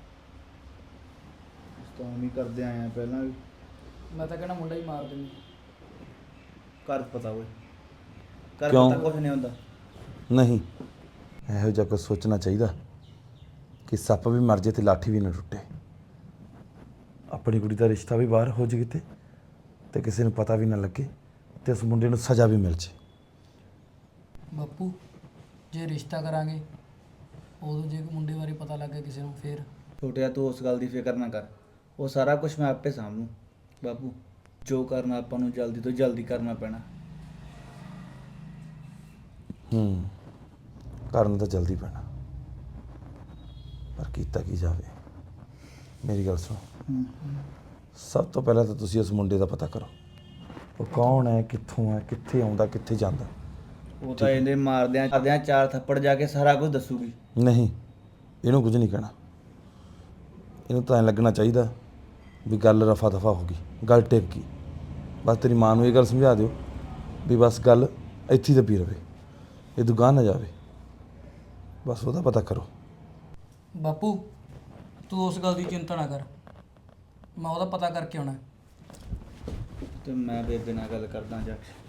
B: ਤਾਂ ਵੀ ਕਰਦੇ ਆਏ ਆ ਪਹਿਲਾਂ ਵੀ।
E: ਮੈਂ ਤਾਂ ਕਹਿੰਦਾ ਮੁੰਡਾ ਹੀ ਮਾਰ ਦਿੰਦੀ।
B: ਕਰ ਪਤਾ ਓਏ, ਕਰ
J: ਕਿਉਂ?
B: ਪਤਾ ਕੁਝ ਨਹੀਂ ਹੁੰਦਾ।
J: ਨਹੀਂ, ਇਹੋ ਜਿਹਾ ਕੁਝ ਸੋਚਣਾ ਚਾਹੀਦਾ ਕਿ ਸੱਪ ਵੀ ਮਰ ਜੇ ਤੇ ਲਾਠੀ ਵੀ ਨਾ ਟੁੱਟੇ। ਆਪਣੀ ਕੁੜੀ ਦਾ ਰਿਸ਼ਤਾ ਵੀ ਬਾਹਰ ਹੋ ਜੇ ਕਿਤੇ ਤੇ ਕਿਸੇ ਨੂੰ ਪਤਾ ਵੀ ਨਾ ਲੱਗੇ ਤੇ ਉਸ ਮੁੰਡੇ ਨੂੰ ਸਜ਼ਾ ਵੀ ਮਿਲ ਜੇ।
E: ਬਾਪੂ ਜੇ ਰਿਸ਼ਤਾ ਕਰਾਂਗੇ ਉਦੋਂ ਜੇ ਮੁੰਡੇ ਬਾਰੇ ਪਤਾ ਲੱਗ ਗਿਆ ਕਿਸੇ ਨੂੰ ਫੇਰ?
B: ਛੋਟਿਆ ਤੂੰ ਉਸ ਗੱਲ ਦੀ ਫਿਕਰ ਨਾ ਕਰ, ਉਹ ਸਾਰਾ ਕੁਝ ਮੈਂ ਆਪੇ ਸਾਂਭੂ ਬਾਪੂ। ਜੋ ਕਰਨਾ ਆਪਾਂ ਨੂੰ ਜਲਦੀ ਤੋਂ ਜਲਦੀ ਕਰਨਾ ਪੈਣਾ।
J: ਹੂੰ ਕਰਨ ਤਾਂ ਜਲਦੀ ਪੈਣਾ, ਪਰ ਕੀਤਾ ਕੀ ਜਾਵੇ। ਮੇਰੀ ਗੱਲ ਸੁਣੋ, ਸਭ ਤੋਂ ਪਹਿਲਾਂ ਤਾਂ ਤੁਸੀਂ ਉਸ ਮੁੰਡੇ ਦਾ ਪਤਾ ਕਰੋ, ਉਹ ਕੌਣ ਹੈ, ਕਿੱਥੋਂ ਹੈ, ਕਿੱਥੇ ਆਉਂਦਾ, ਕਿੱਥੇ ਜਾਂਦਾ।
B: ਉਹ ਤਾਂ ਇਹਦੇ ਮਾਰਦਿਆਂ ਮਾਰਦਿਆਂ ਚਾਰ ਥੱਪੜ ਜਾ ਕੇ ਸਾਰਾ ਕੁਝ ਦੱਸੂਗੀ।
J: ਨਹੀਂ, ਇਹਨੂੰ ਕੁਝ ਨਹੀਂ ਕਹਿਣਾ। ਇਹਨੂੰ ਤਾਂ ਐਂ ਲੱਗਣਾ ਚਾਹੀਦਾ ਵੀ ਗੱਲ ਰਫਾ ਦਫਾ ਹੋ ਗਈ, ਗੱਲ ਟਿਕ ਗਈ। ਬਸ ਤੇਰੀ ਮਾਂ ਨੂੰ ਇਹ ਗੱਲ ਸਮਝਾ ਦਿਓ ਵੀ ਬਸ ਗੱਲ ਇੱਥੇ ਹੀ ਦੱਬੀ ਰਵੇ, ਇਹ ਦੁਕਾਨ ਨਾ ਜਾਵੇ। ਬਸ ਉਹਦਾ ਪਤਾ ਕਰੋ।
E: ਬਾਪੂ ਤੂੰ ਉਸ ਗੱਲ ਦੀ ਚਿੰਤਾ ਨਾ ਕਰ, ਮੈਂ ਉਹਦਾ ਪਤਾ ਕਰਕੇ ਆਉਣਾ।
B: ਤੇ ਮੈਂ ਬੇਬੇ ਨਾਲ ਗੱਲ ਕਰਦਾ ਜਾ ਕੇ।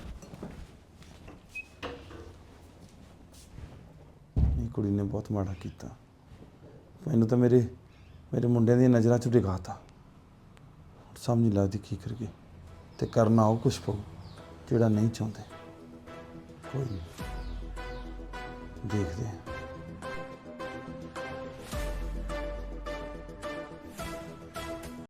J: ਇਹ ਕੁੜੀ ਨੇ ਬਹੁਤ ਮਾੜਾ ਕੀਤਾ, ਮੈਨੂੰ ਤਾਂ ਮੇਰੇ ਮੇਰੇ ਮੁੰਡਿਆਂ ਦੀਆਂ ਨਜ਼ਰਾਂ 'ਚ ਡਿਗਾਤਾ। ਸਮਝ ਨਹੀਂ ਲੱਗਦੀ ਕੀ ਕਰੀਏ, ਤੇ ਕਰਨਾ ਉਹ ਕੁਛ ਪਊ ਜਿਹੜਾ ਨਹੀਂ ਚਾਹੁੰਦੇ। ਕੋਈ ਨਹੀਂ, ਦੇਖਦੇ ਹਾਂ।